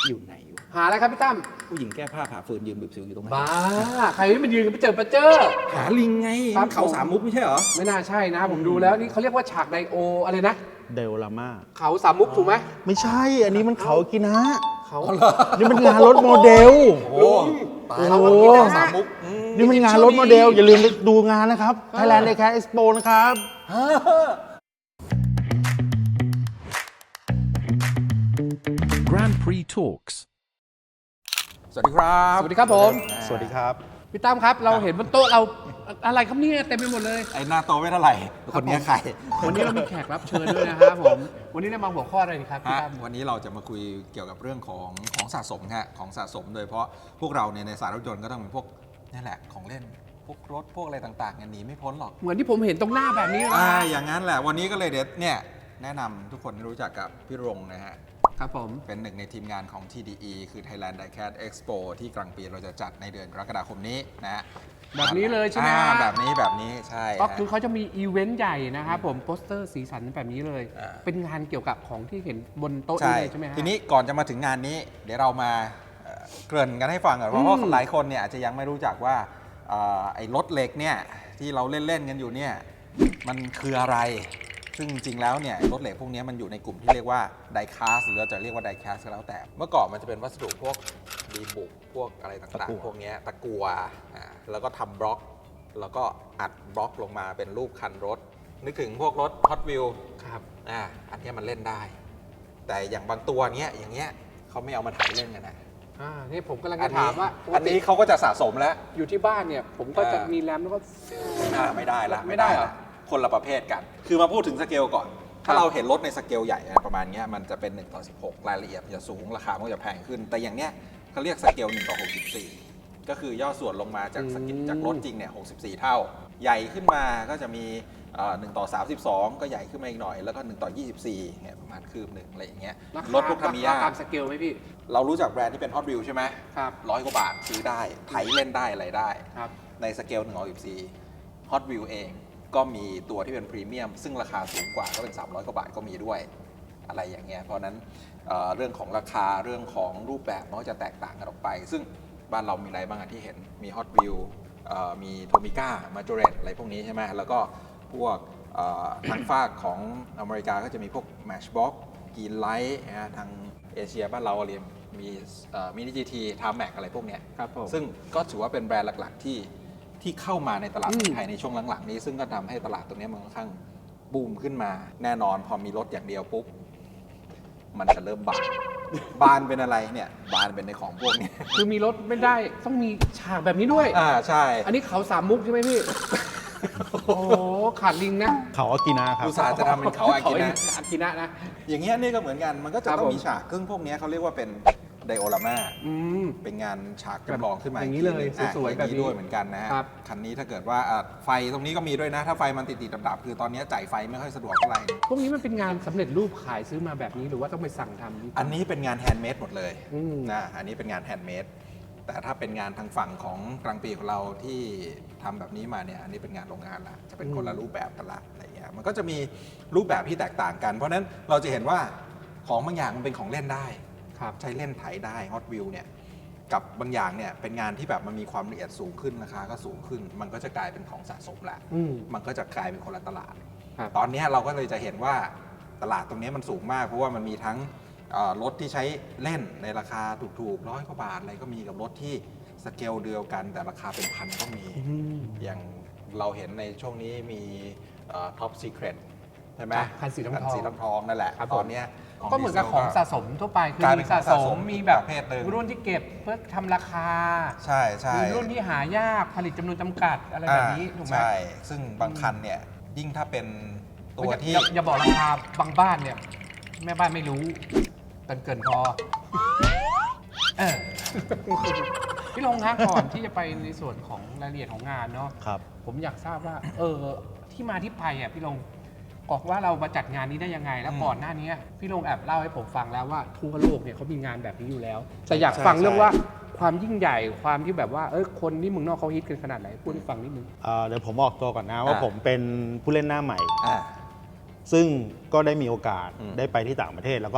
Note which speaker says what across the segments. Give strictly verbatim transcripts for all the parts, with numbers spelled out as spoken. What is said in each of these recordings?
Speaker 1: อยู่ไหนวะ
Speaker 2: หาอะไรครับพี่ตั้ม
Speaker 1: ผู้หญิงแก้ผ้าผ่าฟืนยืนบีบสิวอยู่ตรงนั้น
Speaker 2: บ้าใครที่มันยืนกันไปเจอประเจอ
Speaker 1: หาลิงไง
Speaker 2: ครับ
Speaker 1: เขาสามมุกไม่ใช่เหรอ
Speaker 2: ไม่น่าใช่นะผมดูแล้วนี่เขาเรียกว่าฉากไดโออะไรนะ
Speaker 3: เดลลาม่า
Speaker 2: เขาสามมุกถูกไหม
Speaker 3: ไม่ใช่ อันนี้มันเขากินะ
Speaker 2: เขา
Speaker 3: นี่มันงานรถโมเดล
Speaker 1: โอ้ตายแล้ว
Speaker 3: โอ้
Speaker 1: กินเขาสามมุกอื
Speaker 3: นี่มันงานรถโมเดล อย่าลืมไปดูงานนะครับ Thailand Daycare Expo นะครับ
Speaker 4: Grand Prix Talks
Speaker 1: สวัสดีครับ
Speaker 2: สวัสดีครับผม
Speaker 3: สวัสดีครับ
Speaker 2: พี่ตั้มครับเราเห็นบนโต๊ะเราอะไรครับเนี่ยเต็มไปหมดเลย
Speaker 1: ไอ้หน้าโตไม่เท่าไหร่ คนนี้ใคร
Speaker 2: วันนี้เรามีแขกรับเชิญด้วยนะครับผมวันนี้ได้มาหัวข้ออะไรดีครับพี่
Speaker 1: ฮะ
Speaker 2: ตั้ม
Speaker 1: วันนี้เราจะมาคุยเกี่ยวกับเรื่องของของสะสมฮะของสะสมโดยเฉพาะพวกเราเนี่ยในสายรถยนต์ก็ต้องเป็นพวกนี่แหละของเล่นพวกรถพวกอะไรต่างๆเนี่ยหนีไม่พ้นหรอก
Speaker 2: เหมือนที่ผมเห็นตรงหน้าแบบนี้เลย
Speaker 1: อ่าอย่างนั้นแหละวันนี้ก็เลยเดี๋ยวเนี่ยแนะนำทุกคนให้รู้จักกับพี่รงนะฮะ
Speaker 2: ครับผม
Speaker 1: เป็นหนึ่งในทีมงานของ ที ดี อี คือ Thailand Daycare Expo ที่กลางปีเราจะจัดในเดือนกรกฎาคมนี้นะฮะ
Speaker 2: แบบนี้เลยใช่ไหม
Speaker 1: อ่า
Speaker 2: ฮะ
Speaker 1: แบบนี้แบบนี้ใช่
Speaker 2: ก็
Speaker 1: ฮะ
Speaker 2: คือเขาจะมีอีเวนต์ใหญ่นะครับผมโปสเตอร์สีสันแบบนี้เลย
Speaker 1: อ่า
Speaker 2: เป็นงานเกี่ยวกับของที่เห็นบนโต๊ะ
Speaker 1: ใช่
Speaker 2: นี้เลยใช่ไหมฮะ
Speaker 1: ทีนี้ก่อนจะมาถึงงานนี้ เดี๋ยวเรามาเอ่อเกริ่นกันให้ฟังก่อนเพราะว่า
Speaker 2: อืม
Speaker 1: หลายคนเนี่ยอาจจะยังไม่รู้จักว่าเอ่อไอ้รถเหล็กเนี่ยที่เราเล่นๆกันอยู่เนี่ยมันคืออะไร ซึ่งจริงๆแล้วเนี่ยรถเหล็กพวกนี้มันอยู่ในกลุ่มที่เรียกว่าไดคาสหรือเราจะเรียกว่าไดแคสก็แล้วแต่ เมื่อก่อนมันจะเป็นวัสดุพวกดีบุกพวกอะไรต่าง
Speaker 3: ตะกั่ว
Speaker 1: ๆ พวกเนี้ยตะกัวอ่าแล้วก็ทำบล็อก แล้วก็อัดบล็อกลงมาเป็นรูปคันรถ นึกถึงพวกรถ Hot Wheels
Speaker 2: ครับ
Speaker 1: อ่าอันเนี้ยมันเล่นได้ แต่อย่างบางตัวเนี้ยอย่างเงี้ยเขาไม่เอามาถ่ายเล่นกันนะ
Speaker 2: อ่านี่ผมกำลัง
Speaker 1: อั
Speaker 2: จะ
Speaker 1: นนี้
Speaker 2: ถามว่าปก
Speaker 1: อัน
Speaker 2: ติ
Speaker 1: นี้เขาก็จะสะสมแล้ว
Speaker 2: อยู่ที่บ้านเนี่ย ผมก็จะ
Speaker 1: เออ
Speaker 2: มีแรมแล้วก็
Speaker 1: อ่าไม่ได้ละ
Speaker 2: ไม่ได้เหรอ
Speaker 1: ละคนละประเภทกัน คือมาพูดถึงสเกลก่อน ถ้าเราเห็นรถในสเกลใหญ่ประมาณเนี้ยมันจะเป็นหนึ่งต่อสิบหกรายละเอียดมันจะสูงราคามันก็จะแพงขึ้น แต่อย่างเนี้ยเขาเรียกสเกลหนึ่งต่อหกสิบสี่ก็คือย่อส่วนลงมาจากสกิลจากรถจริงเนี่ยหกสิบสี่เท่า ใหญ่ขึ้นมาก็จะมีเอ่อหนึ่งต่อสามสิบสองก็ใหญ่ขึ้นมาอีกหน่อยแล้วก็หนึ่งต่อยี่สิบสี่เนี่ยประมาณคืบหนึ่งอะไรอย่างเงี้ย
Speaker 2: าร คาร
Speaker 1: ถพวกทามิยา
Speaker 2: ตามสเกลไหมพี่
Speaker 1: เรารู้จักแบรนด์ที่เป็น Hot Wheels ใช่ไหม
Speaker 2: ครับ
Speaker 1: ร้อยกว่าบาทซื้อได้ไถเล่นได้อะไรได้
Speaker 2: ครับ
Speaker 1: ในสเกลหนึ่งต่อสิบสี่ Hot Wheels เองก็มีตัวที่เป็นพรีเมียมซึ่งราคาสูงกว่าก็เป็นสามร้อยกว่าบาทก็มีด้วยอะไรอย่างเงี้ยเพราะฉะนั้นเอ่อเรื่องของราคาเรื่องของรูปแบบมันก็จะแตกต่างกันออกไป ซึ่งบ้านเรามีอะไรบ้างอะที่เห็นมี Hot Wheels เอ่อมีโทมิก้ามาจ o เรตอะไรพวกนี้ใช่ไหมแล้วก็พวกเอ่อทางฝากของอเมริกาก็จะมีพวก Matchbox กีนไลท์นะทางเอเชียบ้านเราเรียนมีมินิจีทีทามแม็กอะไรพวกเนี้ย
Speaker 2: ครับผม
Speaker 1: ซึ่งก็ถือว่าเป็นแบรนด์หลัก ๆ ที่ที่เข้ามาในตลาด
Speaker 2: อืม
Speaker 1: ไทยในช่วงหลัง ๆ นี้ ซึ่งก็ทำให้ตลาดตรงนี้มันค่อนข้างบูมขึ้นมา แน่นอนพอมีรถอย่างเดียวปุ๊บ มันจะเริ่มบาน บานเป็นอะไรเนี่ย บานเป็นในของพวกนี้
Speaker 2: คือมีรถไม่ได้ต้องมีฉากแบบนี้ด้วย
Speaker 1: อ่าใช่
Speaker 2: อันนี้เขาสามมุกใช่ไหมพี่ โอ้โหขาดลิงนะ
Speaker 3: เขาอากินะครับ
Speaker 1: อุตสาห์จะทำเป็นเขาอากินะ
Speaker 2: อากินะนะ
Speaker 1: อย่างเงี้ยนี่ก็เหมือนกัน มันก็จะ
Speaker 2: ครับ
Speaker 1: ต้อง
Speaker 2: ผม
Speaker 1: มีฉากซึ่งพวกเนี้ยเขาเรียกว่าเป็นไดโอรามา
Speaker 2: อืม
Speaker 1: เป็นงานฉากจำลองขึ้นมา
Speaker 2: อย่างนี้เลย
Speaker 1: อ่ะ
Speaker 2: สวยๆ
Speaker 1: อาง
Speaker 2: แบบนี้
Speaker 1: ด้วยเหมือนกันนะฮะ
Speaker 2: ครับ
Speaker 1: คันนี้ถ้าเกิดว่าอ่ะไฟตรงนี้ก็มีด้วยนะ ถ้าไฟมันติดติดดับๆคือตอนนี้จ่ายไฟไม่ค่อยสะดวกเท่าไหร่
Speaker 2: พวกนี้มันเป็นงานสำเร็จรูปขายซื้อมาแบบนี้หรือว่าต้องไปสั่งทำพี่
Speaker 1: อันนี้เป็นงานแฮนด์เมดหมดเลย
Speaker 2: อืม
Speaker 1: นะอันนี้เป็นงานแฮนด์เมดแต่ถ้าเป็นงานทางฝั่งของกลางปีของเราที่ทำแบบนี้มาเนี่ยอันนี้เป็นงานโรงงานละจะเป็นคนละรูปแบบกันละอะไรเงี้ยมันก็จะมีรูปแบบที่แตกต่างกัน เพราะฉะนั้นเราจะเห็นว่าของบางอย่างมันเป็นของเล่นได้
Speaker 2: ครับ
Speaker 1: ใช้เล่นไถได้ Hot Wheels เนี่ยกับบางอย่างเนี่ยเป็นงานที่แบบมันมีความละเอียดสูงขึ้นราคาก็สูงขึ้น มันก็จะกลายเป็นของสะสมแหละ
Speaker 2: อืม
Speaker 1: มันก็จะกลายเป็นคนละตลาด
Speaker 2: ครับ
Speaker 1: ตอนนี้เราก็เลยจะเห็นว่าตลาดตรงนี้มันสูงมาก เพราะว่ามันมีทั้งเอ่อรถที่ใช้เล่นในราคาถูกๆร้อยกว่าบาทอะไรก็มีกับรถที่สเกลเดียวกัน แต่ราคาเป็นพันก็มี อย่างเราเห็นในช่วงนี้มีท็อปซีเครตใช่ไหม
Speaker 2: คันสีทองๆ
Speaker 1: คันสีทองๆนั่นแหละ
Speaker 2: ครับ
Speaker 1: ตอนเนี้ย
Speaker 2: ก็เหมือนกับของสะสมทั่วไปคือก
Speaker 1: ลาย
Speaker 2: มี
Speaker 1: เป็น
Speaker 2: สะ
Speaker 1: ของสะ
Speaker 2: ส
Speaker 1: ส
Speaker 2: ม
Speaker 1: ม
Speaker 2: มีแบบ
Speaker 1: ประเภทหนึ่ง
Speaker 2: รุ่นที่เก็บเพื่อทำราคา
Speaker 1: ใช่ใช่
Speaker 2: มีรุ่นที่หายากผลิตจำนวนจำกัดอะไรแบบนี้ถูกไหม
Speaker 1: ใช่ ซึ่งบางคันเนี่ยยิ่งถ้าเป็นตัวที่
Speaker 2: อย่าอย่าบอกราคาบางบ้านเนี่ย แม่บ้านไม่รู้เกินเกินพอเออ พี่ลงคะก่อนที่จะไปในส่วนของรายละเอียดของงานเนาะ
Speaker 3: ครับ
Speaker 2: ผมอยากทราบว่า เออ ที่มาที่ไปอ่ะพี่ลงบอกว่าเรามาจัดงานนี้ได้ยังไง แล้ว
Speaker 1: อืม
Speaker 2: ก่อนหน้านี้พี่ลงแอบเล่าให้ผมฟังแล้วว่าทั่วโลกเนี่ยเขามีงานแบบนี้อยู่แล้ว แต่อยาก
Speaker 1: ใช่
Speaker 2: ฟังเรื่อง
Speaker 1: ใช่
Speaker 2: ว่าความยิ่งใหญ่ความที่แบบว่าเออคนที่เมืองนอกเขาฮิตกันขนาดไหนพูดให้ฟังนิดนึง
Speaker 3: เอ่อเดี๋ยวผมออกตัวก่อนนะว่า
Speaker 1: อ่า
Speaker 3: ผมเป็นผู้เล่นหน้าใหม่
Speaker 1: อ่า
Speaker 3: ซึ่งก็ได้มีโอกาส
Speaker 1: อืม
Speaker 3: ได้ไปที่ต่างประเทศ แล้วก็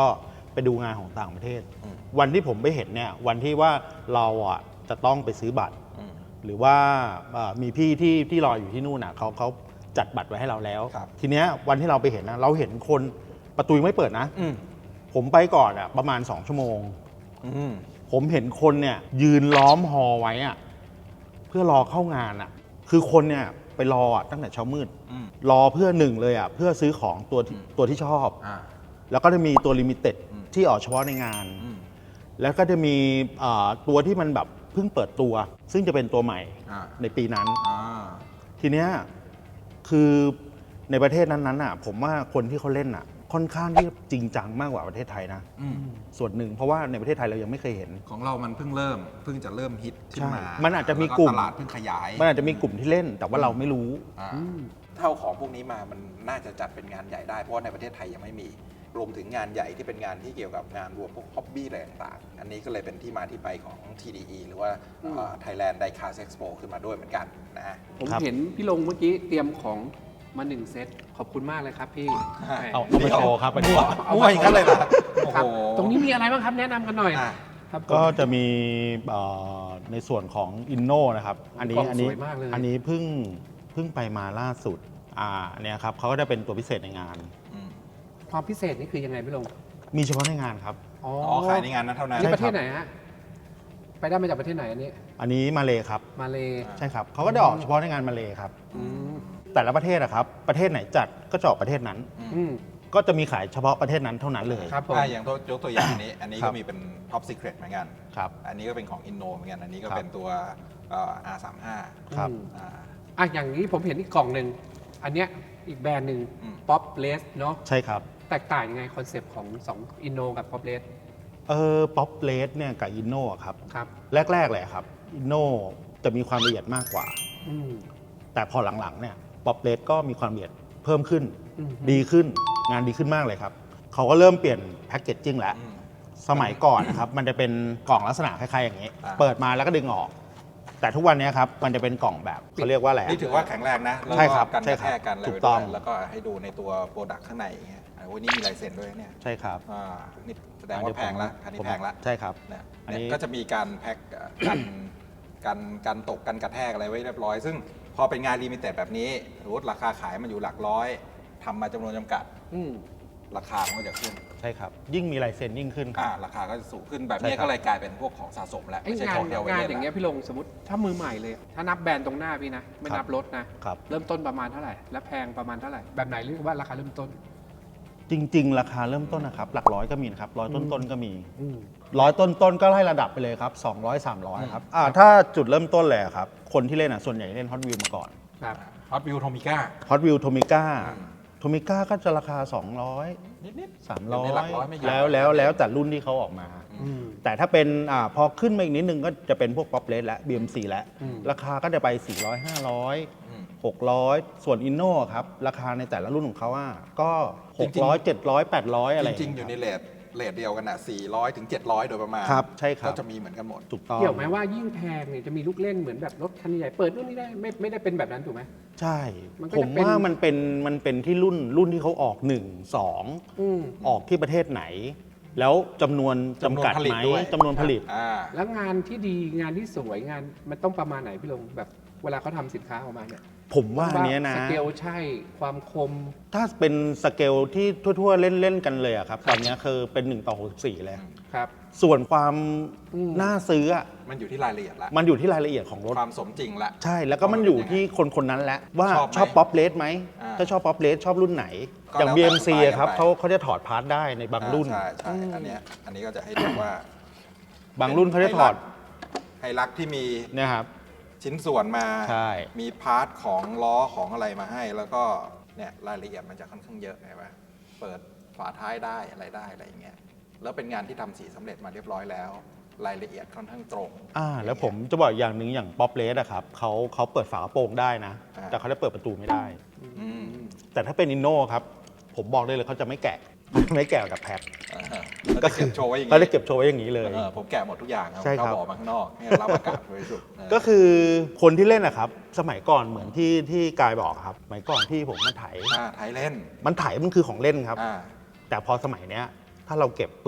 Speaker 3: ไปดูงานของต่างประเทศ
Speaker 1: อืม
Speaker 3: วันที่ผมไปเห็นเนี่ยวันที่ว่าเราอ่ะจะต้องไปซื้อบัตร
Speaker 1: อืม
Speaker 3: หรือว่าเอ่อมีพี่ที่ที่รออยู่ที่นู่นน่ะเขาเขาจัดบัตรไว้ให้เราแล้ว
Speaker 1: ครับ
Speaker 3: ทีเนี้ยวันที่เราไปเห็นนะเราเห็นคนประตูยังไม่เปิดนะ
Speaker 1: อืม
Speaker 3: ผมไปก่อนอ่ะประมาณสองชั่วโมง
Speaker 1: อืม
Speaker 3: ผมเห็นคนเนี่ยยืนล้อมฮอไว้อ่ะเพื่อรอเข้างานอ่ะคือคนเนี่ยไปรออ่ะตั้งแต่เช้ามืด
Speaker 1: อืม
Speaker 3: รอเพื่อหนึ่งเลยอ่ะเพื่อซื้อของตัวที่
Speaker 1: อืม
Speaker 3: ตัวที่ชอบ
Speaker 1: อ่า
Speaker 3: แล้วก็จะมีตัวลิมิเต็ด
Speaker 1: อืม
Speaker 3: ที่ออกเฉพาะในงาน
Speaker 1: อืม
Speaker 3: แล้วก็จะมีเอ่อตัวที่มันแบบเพิ่งเปิดตัว ซึ่งจะเป็นตัวใหม่
Speaker 1: อ่า
Speaker 3: ในปีนั้น
Speaker 1: อ่า
Speaker 3: ทีเนี้ยคือในประเทศนั้นๆอ่ะผมว่าคนที่เขาเล่นอ่ะค่อนข้างที่จริงจังมากกว่าประเทศไทยนะ
Speaker 1: อืม
Speaker 3: ส่วนหนึ่งเพราะว่าในประเทศไทยเรายังไม่เคยเห็น
Speaker 1: ของเรามันเพิ่งเริ่ม เพิ่งจะเริ่มฮิตขึ้นมา
Speaker 3: ใช่มันอาจจะมี
Speaker 1: แล้ว
Speaker 3: กลุ่ม
Speaker 1: ตลาดเพิ่งขยาย
Speaker 3: มันอาจจะมีกลุ่มที่เล่น แต่ว่าเราไม่รู้
Speaker 1: อ่าเท่าของพวกนี้มามันน่าจะจัดเป็นงานใหญ่ได้ เพราะว่าในประเทศไทยยังไม่มี รวมถึงงานใหญ่ที่เป็นงานที่เกี่ยวกับงานรวมพวกฮ็อบบี้อะไรต่างๆ อันนี้ก็เลยเป็นที่มาที่ไปของ ที ดี อี หรือว่าเอ่อ Thailand Diecast Expo ขึ้นมาด้วยเหมือนกันนะฮะ
Speaker 2: ผม
Speaker 3: ครับ
Speaker 2: เห็นพี่ลงเมื่อกี้เตรียมของมาหนึ่งเซตขอบคุณมากเลยครับพี่
Speaker 1: อ่า
Speaker 2: แหม
Speaker 3: เอาเอามาโชว์ครับอันนี้
Speaker 2: เอา
Speaker 1: มั่ว
Speaker 2: มา
Speaker 1: อย่างนั้นเลยเหรอโอ้
Speaker 2: ครับ
Speaker 1: โห
Speaker 2: ตรงนี้มีอะไรบ้างครับแนะนำกันหน่อย
Speaker 1: อ่ะ
Speaker 2: ครับผม
Speaker 3: ก็จะมีเอ่อในส่วนของอินโนนะครับ อันนี้
Speaker 2: กล่อง
Speaker 3: อันนี้
Speaker 2: สวยมากเลย
Speaker 3: อันนี้เพิ่งเพิ่งไปมาล่าสุดอ่าเนี่ยครับเขาก็จะเป็นตัวพิเศษในงาน
Speaker 1: อืม
Speaker 2: ความพิเศษนี่คือยังไงพี่ลง
Speaker 3: มีเฉพาะในงานครับ
Speaker 2: อ๋อ
Speaker 1: อ๋อขายในงานนั้นเท่านั้น
Speaker 2: นี่
Speaker 3: ใช่
Speaker 2: ประเทศไหนฮะไปได้มาจากประเทศไหนอันนี้
Speaker 3: อันนี้มาเลยครับ
Speaker 2: มาเล
Speaker 3: ใช่ครับเขาก็จะออกเฉพาะในงานมาเลยครับ
Speaker 2: อืม
Speaker 3: แต่ละประเทศอะครับประเทศไหนจัดก็จะออกประเทศนั้น
Speaker 2: อืม
Speaker 3: ก็จะมีขายเฉพาะประเทศนั้นเท่านั้นเลย
Speaker 2: ครับผม
Speaker 1: อ่ะอย่างตัวยกตัวอย่างอันนี้ อันนี้
Speaker 3: ครั
Speaker 1: ก็
Speaker 3: บ
Speaker 1: มีเป็น Top Secret เหมือนกัน
Speaker 3: ครับ
Speaker 1: อันนี้ก็เป็นของ Inno เหมือนกัน อันนี้ก็
Speaker 3: ครับ
Speaker 1: เป็นตัวเอ่อ อาร์ สามสิบห้า
Speaker 3: ครับ
Speaker 2: อืม
Speaker 1: อ่า
Speaker 2: อ่ะอย่างนี้ผมเห็นอีกกล่องหนึ่งอันเนี้ยอีกแบรนด์หนึ่ง
Speaker 1: อืม
Speaker 2: ป๊อปเลสเนาะ
Speaker 3: ใช่ครับ
Speaker 2: แตกต่างยังไงคอนเซปต์ของสองอินโนกับป๊อปเลส
Speaker 3: เออป๊อปเลสเนี่ยกับอินโนครับ
Speaker 2: ครับ
Speaker 3: แรก ๆ เลยครับอินโนจะมีความละเอียดมากกว่า
Speaker 2: อืม
Speaker 3: แต่พอหลังๆเนี่ยป๊อปเลสก็มีความละเอียดเพิ่มขึ้น
Speaker 2: อืม
Speaker 3: ดีขึ้นงานดีขึ้นมากเลยครับ เขาก็เริ่มเปลี่ยนแพคเกจจิ้งแล้ว
Speaker 1: อืม
Speaker 3: สมัยก่อนนะครับ มันจะเป็นกล่องลักษณะคล้ายๆอย่างนี้
Speaker 1: อ่า
Speaker 3: เปิดมาแล้วก็ดึงออก แต่ทุกวันนี้ครับมันจะเป็นกล่องแบบเขาเรียกว่าอะไรอะ
Speaker 1: นี่ถือว่าแข็งแรงนะแล้ว
Speaker 3: ใช่ครับ
Speaker 1: ก็กัน
Speaker 3: ใช่
Speaker 1: กระ
Speaker 3: ครั
Speaker 1: แท
Speaker 3: บ
Speaker 1: กกันอะไร
Speaker 3: ถู
Speaker 1: ไป
Speaker 3: กต้
Speaker 1: ด้
Speaker 3: อ
Speaker 1: ว
Speaker 3: ง
Speaker 1: ยแล้วก็ให้ดูในตัวโปรดักต์ข้างในอย่างเงี้ยอ่ะวันนี้มีลายเซ็นด้วยเนี่ย
Speaker 3: ใช่ครับ
Speaker 1: อ่านี่แสดงว่าแพงละอันนี้
Speaker 3: ผม
Speaker 1: แพงละ
Speaker 3: ใช่ครับ
Speaker 1: เนี่ย
Speaker 3: อันนี้
Speaker 1: เนี่ยก็จะมีการแพ็คเอ่อกันกันกันตกกันกระแทกอะไรไว้เรียบร้อย ซึ่งพอเป็นงานลิมิเต็ดแบบนี้สมมติราคาขายมันอยู่หลักร้อยทำมาจำนวนจำกัด
Speaker 2: อืม
Speaker 1: ราคามันก็จะขึ้น
Speaker 3: ใช่ครับ ยิ่งมีลายเซ็นยิ่งขึ้นค
Speaker 1: อ่า
Speaker 3: รับ
Speaker 1: ราคาก็จะสูงขึ้นแบบ
Speaker 3: ใช่
Speaker 1: นี้
Speaker 3: ครับ
Speaker 1: ก็เลยกลายเป็นพวกของสะสมแล้ว
Speaker 2: ไอ้
Speaker 1: ไม่ใช่
Speaker 2: งา
Speaker 1: ข
Speaker 2: น
Speaker 1: องเดียว
Speaker 2: งาน
Speaker 1: เล่น
Speaker 2: อย่างเงี้ย
Speaker 1: ละ
Speaker 2: พี่ลงสมมติถ้ามือใหม่เลย ถ้านับแบรนด์ตรงหน้าพี่นะ ไม่นับรถนะ
Speaker 3: ครับ
Speaker 2: เริ่มต้นประมาณเท่าไหร่ และแพงประมาณเท่าไหร่ แบบไหนเรียกว่าราคาเริ่มต้น
Speaker 3: จริง ๆ ราคาเริ่มต้นนะครับ หลักร้อยก็มีนะครับร้อยต้นๆก็มี
Speaker 2: อืม
Speaker 3: ร้อยต้นๆก็ไล่ระดับไปเลยครับสองร้อย สามร้อยครับอ่าถ้าจุดเริ่มต้นเลยอะครับคนที่เล่นอ่ะส่วนใหญ่เล่นฮอตวิวมาก่อน
Speaker 2: ครับ
Speaker 1: ฮอตวิวโทมิก้า
Speaker 3: ฮอตวิวโทมิก้า
Speaker 1: อืม
Speaker 3: โทมิก้าก็จะราคา สองร้อย
Speaker 1: นิดๆ
Speaker 3: สาม
Speaker 1: เดี๋
Speaker 3: ร้
Speaker 1: ยว
Speaker 3: อ
Speaker 1: นี้หลั
Speaker 3: ย
Speaker 1: กร้อยไม่เยอะ
Speaker 3: แล้วแล้วแล้วแต่รุ่นที่เขาออกมา
Speaker 2: อืม
Speaker 3: แต่ถ้าเป็นอาพอขึ้นมาอีกนิดนึงก็จะเป็นพวกป๊อปเลสและ บี เอ็ม ซี แล้ว
Speaker 2: อืม
Speaker 3: ราคาก็จะไป สี่ร้อย ห้าร้อย
Speaker 1: อืม
Speaker 3: หกร้อย ส่วนอินโนครับ ราคาในแต่ละรุ่นของเขาอ่ะก็
Speaker 1: จริงๆ
Speaker 3: หกร้อย เจ็ดร้อย แปดร้อย อะไร
Speaker 1: จริงๆ อยู่ในเลทเลทเดียวกันอ่ะสี่ร้อยถึงเจ็ดร้อยโดยประมาณ
Speaker 3: ครับใช่ครับ
Speaker 1: ก็จะมีเหมือนกันหมด
Speaker 3: ถูกต้อง
Speaker 2: เกี่ยวไหมว่ายิ่งแพงเนี่ยจะมีลูกเล่นเหมือนแบบรถคันใหญ่เปิดนู่นนี่ได้ไม่ไม่ได้เป็นแบบนั้นถูกไหม
Speaker 3: ใช่
Speaker 2: มันก็
Speaker 3: ผ
Speaker 2: จะ
Speaker 3: ม
Speaker 2: เป็น
Speaker 3: ว่ามันเป็นมันเป็นที่รุ่นรุ่นที่เขาออกหนึ่ง สอง
Speaker 2: อืม
Speaker 3: ออกที่ประเทศไหน แล้วจำนวนจำกัด
Speaker 1: จำนวนผลิต
Speaker 3: ไหม
Speaker 1: ด้วย
Speaker 3: จำนวนผลิต
Speaker 1: อ่า
Speaker 2: แล้วงานที่ดีงานที่สวยงานมันต้องประมาณไหนพี่ลงแบบเวลาเขาทำสินค้าออกมาเนี่ย
Speaker 3: ผมว่าอันเนี้ยนะ
Speaker 2: สเกลใช่ความคม
Speaker 3: ถ้าเป็นสเกลที่ทั่ว ๆ เล่น ๆ กันเลยอะครับ ตอนเนี้ยคือเป็นหนึ่งต่อหกสิบสี่เลย
Speaker 2: ครับ
Speaker 3: ส่วนความ
Speaker 2: อืม
Speaker 3: น่าซื้ออะ
Speaker 1: มันอยู่ที่รายละเอียดละ
Speaker 3: มันอยู่ที่รายละเอียดของรถ
Speaker 1: ความสมจริงละ
Speaker 3: ใช่แล้วก็มันอยู่ที่คนคนนั้นแหละว่า
Speaker 1: ชอบไหม
Speaker 3: ชอบป๊อปเลสไหม
Speaker 1: อ่า
Speaker 3: ถ้าชอบป๊อปเลสชอบรุ่นไหน
Speaker 1: ก็
Speaker 3: อย่าง
Speaker 1: แล้ว
Speaker 3: บี
Speaker 1: แต่
Speaker 3: เอ็ม ซี
Speaker 1: สไตล์
Speaker 3: อะครับ
Speaker 1: กันไป
Speaker 3: เขาเขาจะถอดพาร์ทได้ในบางรุ่น
Speaker 1: อ่าใช่ใช่อันเนี้ยอันนี้ก็จะให้ดูว่า
Speaker 3: บางรุ่นเขาจะถอด
Speaker 1: ไฮลักที่มี
Speaker 3: เนี่ยครับ
Speaker 1: ชิ้นส่วนมา
Speaker 3: ใช่
Speaker 1: มีพาร์ทของล้อของอะไรมาให้ แล้วก็เนี่ยรายละเอียดมันจะค่อนข้างเยอะไงวะเปิดฝาท้ายได้อะไรได้อะไรอย่างเงี้ยแล้วเป็นงานที่ทำสีสำเร็จมาเรียบร้อยแล้ว รายละเอียดค่อนข้างตรง
Speaker 3: อ่าแล้วผมจะบอกอย่างหนึ่งอย่างป๊อปเลสอะครับเขาเขาเปิดฝากระโปรงได้นะ
Speaker 1: อ่า
Speaker 3: แต่เขาได้เปิดประตูไม่ได้
Speaker 1: อืม
Speaker 3: แต่ถ้าเป็นอินโนครับ ผมบอกได้เลยเขาจะไม่แกะ ไม่แกะกับแพ็ค
Speaker 1: อ่าฮะแล้วก็เก็บโชว์ไว้อย่าง
Speaker 3: เขา
Speaker 1: งี้
Speaker 3: ได้เก็บโชว์ไว้อย่างนี้เลย
Speaker 1: เออผมแกะหมดทุกอย่างครับ
Speaker 3: ใช่ครับ
Speaker 1: เขาบอกมาข้างนอกให้รับอากาศบริสุทธิ์เออ
Speaker 3: ก็คือคนที่เล่นนะครับ สมัยก่อนเหมือนที่ที่กายบอกครับสมัยก่อนที่ผมมาไถ
Speaker 1: อ่าไทยเล่น
Speaker 3: มันไถมันคือของเล่นครับ
Speaker 1: อ่า
Speaker 3: แต่พอสมัยเนี้ยถ้าเราเก็บปุ๊บ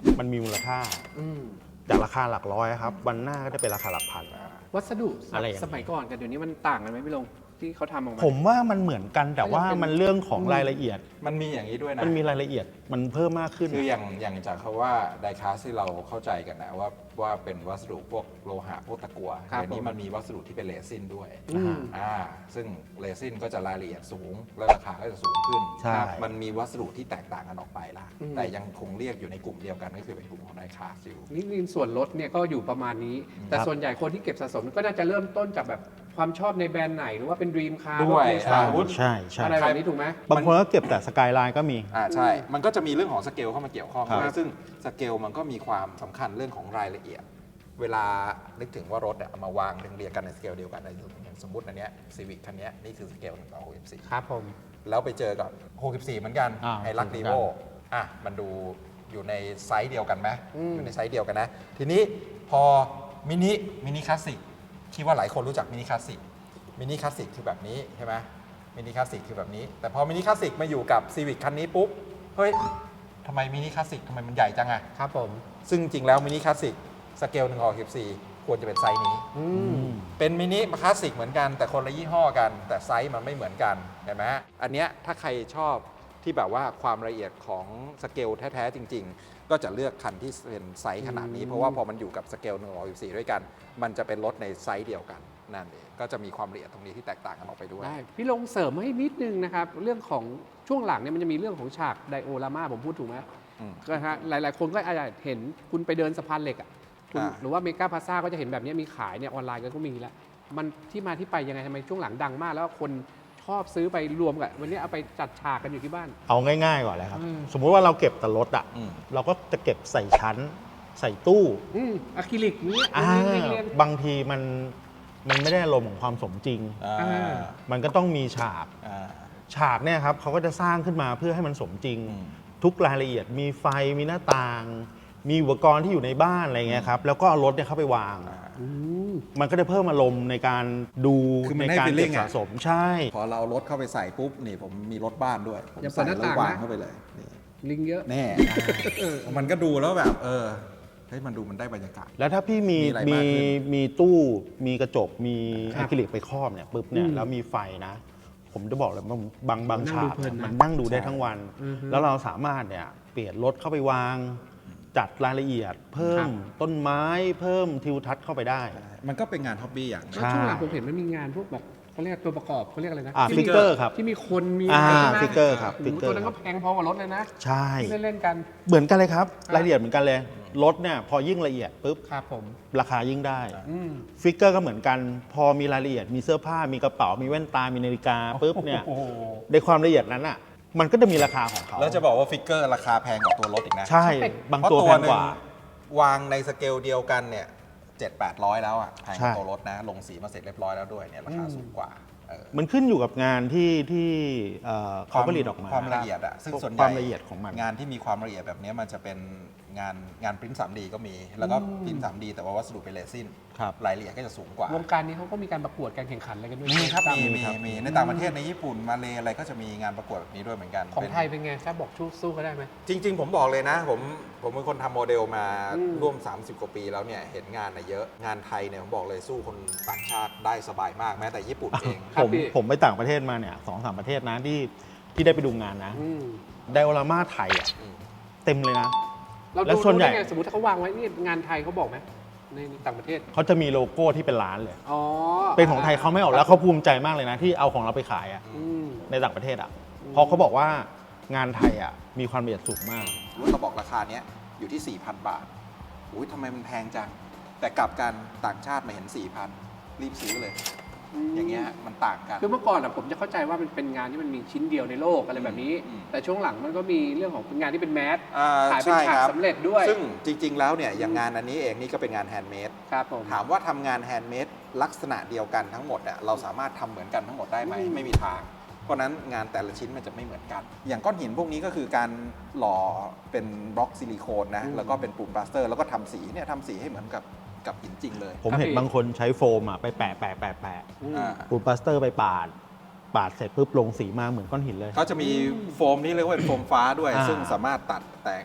Speaker 3: มันมีมูลค่า
Speaker 2: อืม
Speaker 3: จากราคาหลักร้อยครับวันหน้าก็จะเป็นราคาหลักพัน
Speaker 2: วัสดุ
Speaker 3: อะไรอย่างนี้
Speaker 2: สมัยก่อนกับเดี๋ยวนี้มันต่างกันไหมพี่ลงที่เขาทำออกมา
Speaker 3: ผมว่ามันเหมือนกันแต่ว่ามันเรื่องของรายละเอียด
Speaker 1: มันมีอย่างนี้ด้วยนะ
Speaker 3: มันมีรายละเอียดมันเพิ่มมากขึ้น
Speaker 1: คืออย่างอย่างจากคาว่าไดคาสที่เราเข้าใจกันนะว่าว่าเป็นวัสดุพวกโลหะพวกตะกั่ว
Speaker 2: ครับ
Speaker 1: เดี๋ยวนี้
Speaker 2: ผม
Speaker 1: มันมีวัสดุที่เป็นเรซินด้วย
Speaker 2: อืม
Speaker 1: อ่าซึ่งเรซินก็จะรายละเอียดสูง และราคาก็จะสูงขึ้น
Speaker 3: ใช่
Speaker 1: มันมีวัสดุที่แตกต่างกันออกไปละ
Speaker 2: อืม
Speaker 1: แต่ยังคงเรียกอยู่ในกลุ่มเดียวกันก็คือเป็นกลุ่มของไดคาสอยู่
Speaker 2: นี่นี่ส่วนลดเนี่ยก็อยู่ประมาณนี้ แต่
Speaker 3: ครับ
Speaker 2: ส่วนใหญ่คนที่เก็บสะสมก็น่าจะเริ่มต้นจากแบบความชอบในแบรนด์ไหนหรือว่าเป็นดรีมคาร์
Speaker 1: ด้วย
Speaker 3: ใช่
Speaker 1: อาวุธ
Speaker 3: ใช่ใช่
Speaker 2: อะไรแบบนี้ถูกไหม
Speaker 3: บางคนก็เก็บแต่สกายไลน์ก็มี
Speaker 1: อ่าใช่ มันก็จะมีเรื่องของสเกลเข้ามาเกี่ยวข้อง
Speaker 3: ครับ
Speaker 1: ด้วยซึ่งสเกลมันก็มีความสำคัญเรื่องของรายละเอียด เวลานึกถึงว่ารถอะเอามาวางเรียงๆกันในสเกลเดียวกันอย่างสมมติอันเนี้ยซีวิคคันเนี้ยนี่คือสเกลหนึ่งต่อหกสิบสี่
Speaker 2: ครับผม
Speaker 1: แล้วไปเจอกับหกสิบสี่เหมือนกัน
Speaker 3: อ่า
Speaker 1: ไฮรัก
Speaker 3: เหมื
Speaker 1: ดี
Speaker 3: อนกั
Speaker 1: โวน อ่ะมันดูอยู่ในไซส์เดียวกันไหม
Speaker 2: อืม
Speaker 1: อยู่ในไซส์เดียวกันนะ ทีนี้พอมินิมินิคลาสสิกคิดว่าหลายคนรู้จักมินิคลาสสิกมินิคลาสสิกคือแบบนี้ใช่ไหมมินิคลาสสิกคือแบบนี้ แต่พอมินิคลาสสิกมาอยู่กับซีวิคคันนี้ปุ๊บเฮ้ยทำไมมินิคลาสสิกทำไมมันใหญ่จังอะ
Speaker 2: ครับผม
Speaker 1: ซึ่งจริงแล้วมินิคลาสสิกสเกลหนึ่งออกสิบสี่ควรจะเป็นไซส์นี้
Speaker 2: อืม
Speaker 1: เป็นมินิคลาสสิกเหมือนกันแต่คนละยี่ห้อกัน แต่ไซส์มันไม่เหมือนกันเห็นไหมอันเนี้ยถ้าใครชอบที่แบบว่าความละเอียดของสเกลแท้ๆจริง ๆ ก็จะเลือกคันที่เป็นไซส์ขนาดนี้
Speaker 2: อืม
Speaker 1: เพราะว่าพอมันอยู่กับสเกลหนึ่งออกสิบสี่ด้วยกัน มันจะเป็นรถในไซส์เดียวกันนั่นเองก็จะมีความละเอียดตรงนี้ที่แตกต่างกันออกไปด้วย
Speaker 2: ได้พี่ลงเสริมให้นิดนึงนะครับ เรื่องของช่วงหลังเนี่ยมันจะมีเรื่องของฉากไดโอรามาผมพูดถูกไหม
Speaker 1: อืม
Speaker 2: ก็ฮะหลาย ๆ คนก็อาจจะเห็นคุณไปเดินสะพานเหล็กอ่ะคุณ
Speaker 1: อ่า
Speaker 2: หรือว่าเมกาพาซ่าก็จะเห็นแบบนี้มีขายเนี่ยออนไลน์ก็มีแล้ว มันที่มาที่ไปยังไงทำไมช่วงหลังดังมาก แล้วคนชอบซื้อไปรวมกันวันนี้เอาไปจัดฉากกันอยู่ที่บ้าน
Speaker 3: เอาง่ายๆก่อนเลยครับ
Speaker 2: อืม
Speaker 3: สมมุติว่าเราเก็บแต่รถอ่ะ
Speaker 1: อืม
Speaker 3: เราก็จะเก็บใส่ชั้น ใส่ตู้
Speaker 2: อืมอะคริลิกนี้
Speaker 3: อ่า
Speaker 2: เรียงๆเรียง
Speaker 3: บางทีมันมันไม่ได้อารมณ์ของความสมจริง
Speaker 1: อ่า
Speaker 2: อ่า
Speaker 3: มันก็ต้องมีฉาก
Speaker 1: อ่า
Speaker 3: ฉากเนี่ยครับเขาก็จะสร้างขึ้นมาเพื่อให้มันสมจริง
Speaker 1: อืม
Speaker 3: ทุกรายละเอียดมีไฟมีหน้าต่าง มีอุปกรณ์ที่อยู่ในบ้านอะไรเงี้ยครับแล้วก็เอารถเนี่ยเข้าไปวาง
Speaker 2: อืม
Speaker 3: มันก็จะเพิ่มอารมณ์ในการดู
Speaker 1: คือมัน
Speaker 3: ใน
Speaker 1: ให้
Speaker 3: การเก็
Speaker 1: feeling
Speaker 3: บ
Speaker 1: อะ
Speaker 3: สะสมใช่
Speaker 1: พอเราเอารถเข้าไปใส่ปุ๊บนี่ผมมีรถบ้านด้วยผม
Speaker 2: อย่าเปิ
Speaker 1: ใส่
Speaker 2: ดหน้า
Speaker 1: แล้ว
Speaker 2: ต่าง
Speaker 1: วาง
Speaker 2: นะ
Speaker 1: เข้าไปเลยนี่
Speaker 2: ลิงเยอะ
Speaker 1: แน่มันก็ดูแล้วแบบเออเฮ้ยมันดูมันได้บรรยากาศ
Speaker 3: แล้วถ้าพี่มี
Speaker 1: มีอะไร
Speaker 3: มี
Speaker 1: มากขึ้น
Speaker 3: มีตู้มีกระจกมี
Speaker 2: ครั
Speaker 3: อะ
Speaker 2: บ
Speaker 3: คริลิกไปครอบเนี่ยปุ๊บเนี่ย
Speaker 2: อืม
Speaker 3: แล้วมีไฟนะ ผมจะบอกเลยว่าบางบาง
Speaker 2: นั่ง
Speaker 3: ฉา
Speaker 2: ดู
Speaker 3: ก
Speaker 2: เพลินนะ
Speaker 3: มันนั่งดูได้ทั้งวัน
Speaker 2: อือฮึ
Speaker 3: แล้วเราสามารถเนี่ยเปลี่ยนรถเข้าไปวาง จัดรายละเอียด เพิ่
Speaker 2: ครั
Speaker 3: ม
Speaker 2: บ
Speaker 3: ต้นไม้เพิ่มทิวทัศน์เข้าไปได้
Speaker 1: มันก็เป็นงานฮ็อบบี้อย่างหนึ่ง
Speaker 2: แล้วช่วงหลังผมเห็นมันมีงานพวกแบบเขาเรียกตัวประกอบเขาเรียกอะไรนะ
Speaker 3: อ่า
Speaker 2: ที่
Speaker 3: ฟิ
Speaker 2: มี
Speaker 3: กเกอร์ครับ
Speaker 2: ที่มีคนมี
Speaker 3: อ่า
Speaker 2: ะไรใช่ไหม
Speaker 3: ฟิกเกอร์ครับ
Speaker 2: โโห
Speaker 3: ฟิกเกอร์
Speaker 2: ตัวนั้นก็แพงพอกับรถเลยนะ
Speaker 3: ใช่
Speaker 2: ที่เล่นๆกัน
Speaker 3: เหมือนกันเลยครับ
Speaker 2: ครับ
Speaker 3: รายละเอียดเหมือนกันเลย รถเนี่ยพอยิ่งละเอียดปุ๊บ
Speaker 2: ครับผม
Speaker 3: ราคายิ่งได้
Speaker 2: อืม
Speaker 3: ฟิกเกอร์ก็เหมือนกัน พอมีรายละเอียดมีเสื้อผ้ามีกระเป๋ามีแว่นตา มีนาฬิกาปุ๊บเนี่ย
Speaker 2: โอ้โห
Speaker 3: ในความละเอียดนั้นอ่ะมันก็จะมีราคาของเขา
Speaker 1: แล้วจะบอกว่าฟิกเกอร์ราคาแพงกว่าตัวรถอีกนะ
Speaker 3: ใช่ บาง
Speaker 1: เพราะ
Speaker 3: ตัว
Speaker 1: ตัว
Speaker 3: แพง
Speaker 1: หนึ่
Speaker 3: ก
Speaker 1: ง
Speaker 3: ว่า
Speaker 1: วางในสเกลเดียวกันเนี่ยเจ็ดแปดร้อยแล้วอ่ะแพงกว่า
Speaker 3: ใช่
Speaker 1: ตัวรถนะ ลงสีมาเสร็จเรียบร้อยแล้วด้วยเนี่ยราคาสูงกว่าเออ
Speaker 3: มันขึ้นอยู่กับงานที่ที่เอ่อเขาผลิตออกมา
Speaker 1: ความละเอียดอะซึ่งส่วนให
Speaker 3: ค
Speaker 1: ญ่
Speaker 3: วามละเอียดของมัน
Speaker 1: งานที่มีความละเอียดแบบนี้มันจะเป็นงานงานปริ้น ทรีดี ก็มี แล้วก็ปริ้น ทรีดี แต่ว่าวัสดุเป็นเรซิน
Speaker 3: ครับ
Speaker 1: รายละเอียดก็จะสูงกว่าว
Speaker 2: งการนี้เขาก็มีการประกวดการแข่งขันอะไรกันด้วย
Speaker 1: มีครับ
Speaker 2: ตา
Speaker 1: มี
Speaker 2: ม
Speaker 1: มี
Speaker 3: ครับ
Speaker 1: มีในต่างประเทศในญี่ปุ่นมาเลอะไรก็จะมีงานประกวดแบบนี้ด้วยเหมือนกัน
Speaker 2: ของ
Speaker 1: เป็น
Speaker 2: ไทยเป็นไงถ้าบอกชู้สู้เขาได้ไหม
Speaker 1: จริง ๆ ผมบอกเลยนะ ผมผมเป็นคนทำโมเดลมา
Speaker 2: อืม
Speaker 1: ร่วม สามสิบ กว่าปีแล้วเนี่ยเห็นงานน่ะเยอะงานไทยเนี่ยผมบอกเลยสู้คนต่างชาติได้สบายมากแม้แต่ญี่ปุ่นเอง
Speaker 2: ครับ
Speaker 3: ผม
Speaker 2: พี่
Speaker 3: ผมไปต่างประเทศมาเนี่ยสองสามประเทศนะที่ที่ได้ไปดูงานนะ
Speaker 2: อืม
Speaker 3: ไดโอรามาไทยอ่ะ
Speaker 1: อืม
Speaker 3: เต็มเลยนะ
Speaker 2: เรา
Speaker 3: แล้ว
Speaker 2: ดู
Speaker 3: ส่วนใหญ่
Speaker 2: ได้ไงสมมติถ้าเขาวางไว้นี่งานไทยเขาบอกไหมในต่างประเทศ
Speaker 3: เขาจะมีโลโก้ที่เป็นร้านเลย
Speaker 2: อ๋อ
Speaker 3: เป็นของไทยเขาไม่ออกแล้วเขาภูมิใจมากเลยนะ ที่เอาของเราไปขายอ่ะ
Speaker 2: อืม
Speaker 3: ในต่างประเทศอ่ะเพราะเขาบอกว่างานไทยอ่ะมีความละเอียดสูงมาก
Speaker 1: รถกระบอกราคาเนี้ยอยู่ที่ สี่พัน บาทอุ้ยทำไมมันแพงจัง แต่กลับกันต่างชาติมาเห็น สี่พัน รีบซื้อเลย อย่างเงี้ยมันต่างกัน
Speaker 2: คือเมื่อก่อนอะผมจะเข้าใจว่ามันเป็นงานที่มันมีชิ้นเดียวในโลกอะไรแบบนี้
Speaker 1: อืม
Speaker 2: แต่ช่วงหลังมันก็มีเรื่องของเป็นงานที่เป็นแมส
Speaker 1: อ่
Speaker 2: ขายเป็น
Speaker 1: ใช่
Speaker 2: ฉาก
Speaker 1: ครับ
Speaker 2: สำเร็จด้วย
Speaker 1: ซึ่งจริง ๆ แล้วเนี่ยอย่างงานอันนี้เองนี่ก็เป็นงานแฮนด์เมด
Speaker 2: ครับผม
Speaker 1: ถามว่าทำงานแฮนด์เมดลักษณะเดียวกันทั้งหมดอะเราสามารถทำเหมือนกันทั้งหมดได้ไหม
Speaker 2: อืม
Speaker 1: ไม่มีทาง เพราะฉะนั้นงานแต่ละชิ้นมันจะไม่เหมือนกัน อย่างก้อนหินพวกนี้ก็คือการหล่อเป็นบล็อกซิลิโคนนะแล้วก็เป็นปูนปลาสเตอร์แล้วก็ทำสีเนี่ยทำสีให้เหมือนกับกับหินจริงเลย
Speaker 3: ผมเห็นบางคนใช้โฟมอ่ะไปแปะแปะแปะแปะ
Speaker 2: อืม
Speaker 1: อ่า
Speaker 3: ปูนปลาสเตอร์ไปปาด ปาดเสร็จปุ๊บลงสีมาเหมือนก้อนหินเลย
Speaker 1: เขาจะมีโฟมที่เรียกว่าเป็นโฟมฟ้าด้วย
Speaker 3: อ่า
Speaker 1: ซึ่งสามารถตัดแต่ง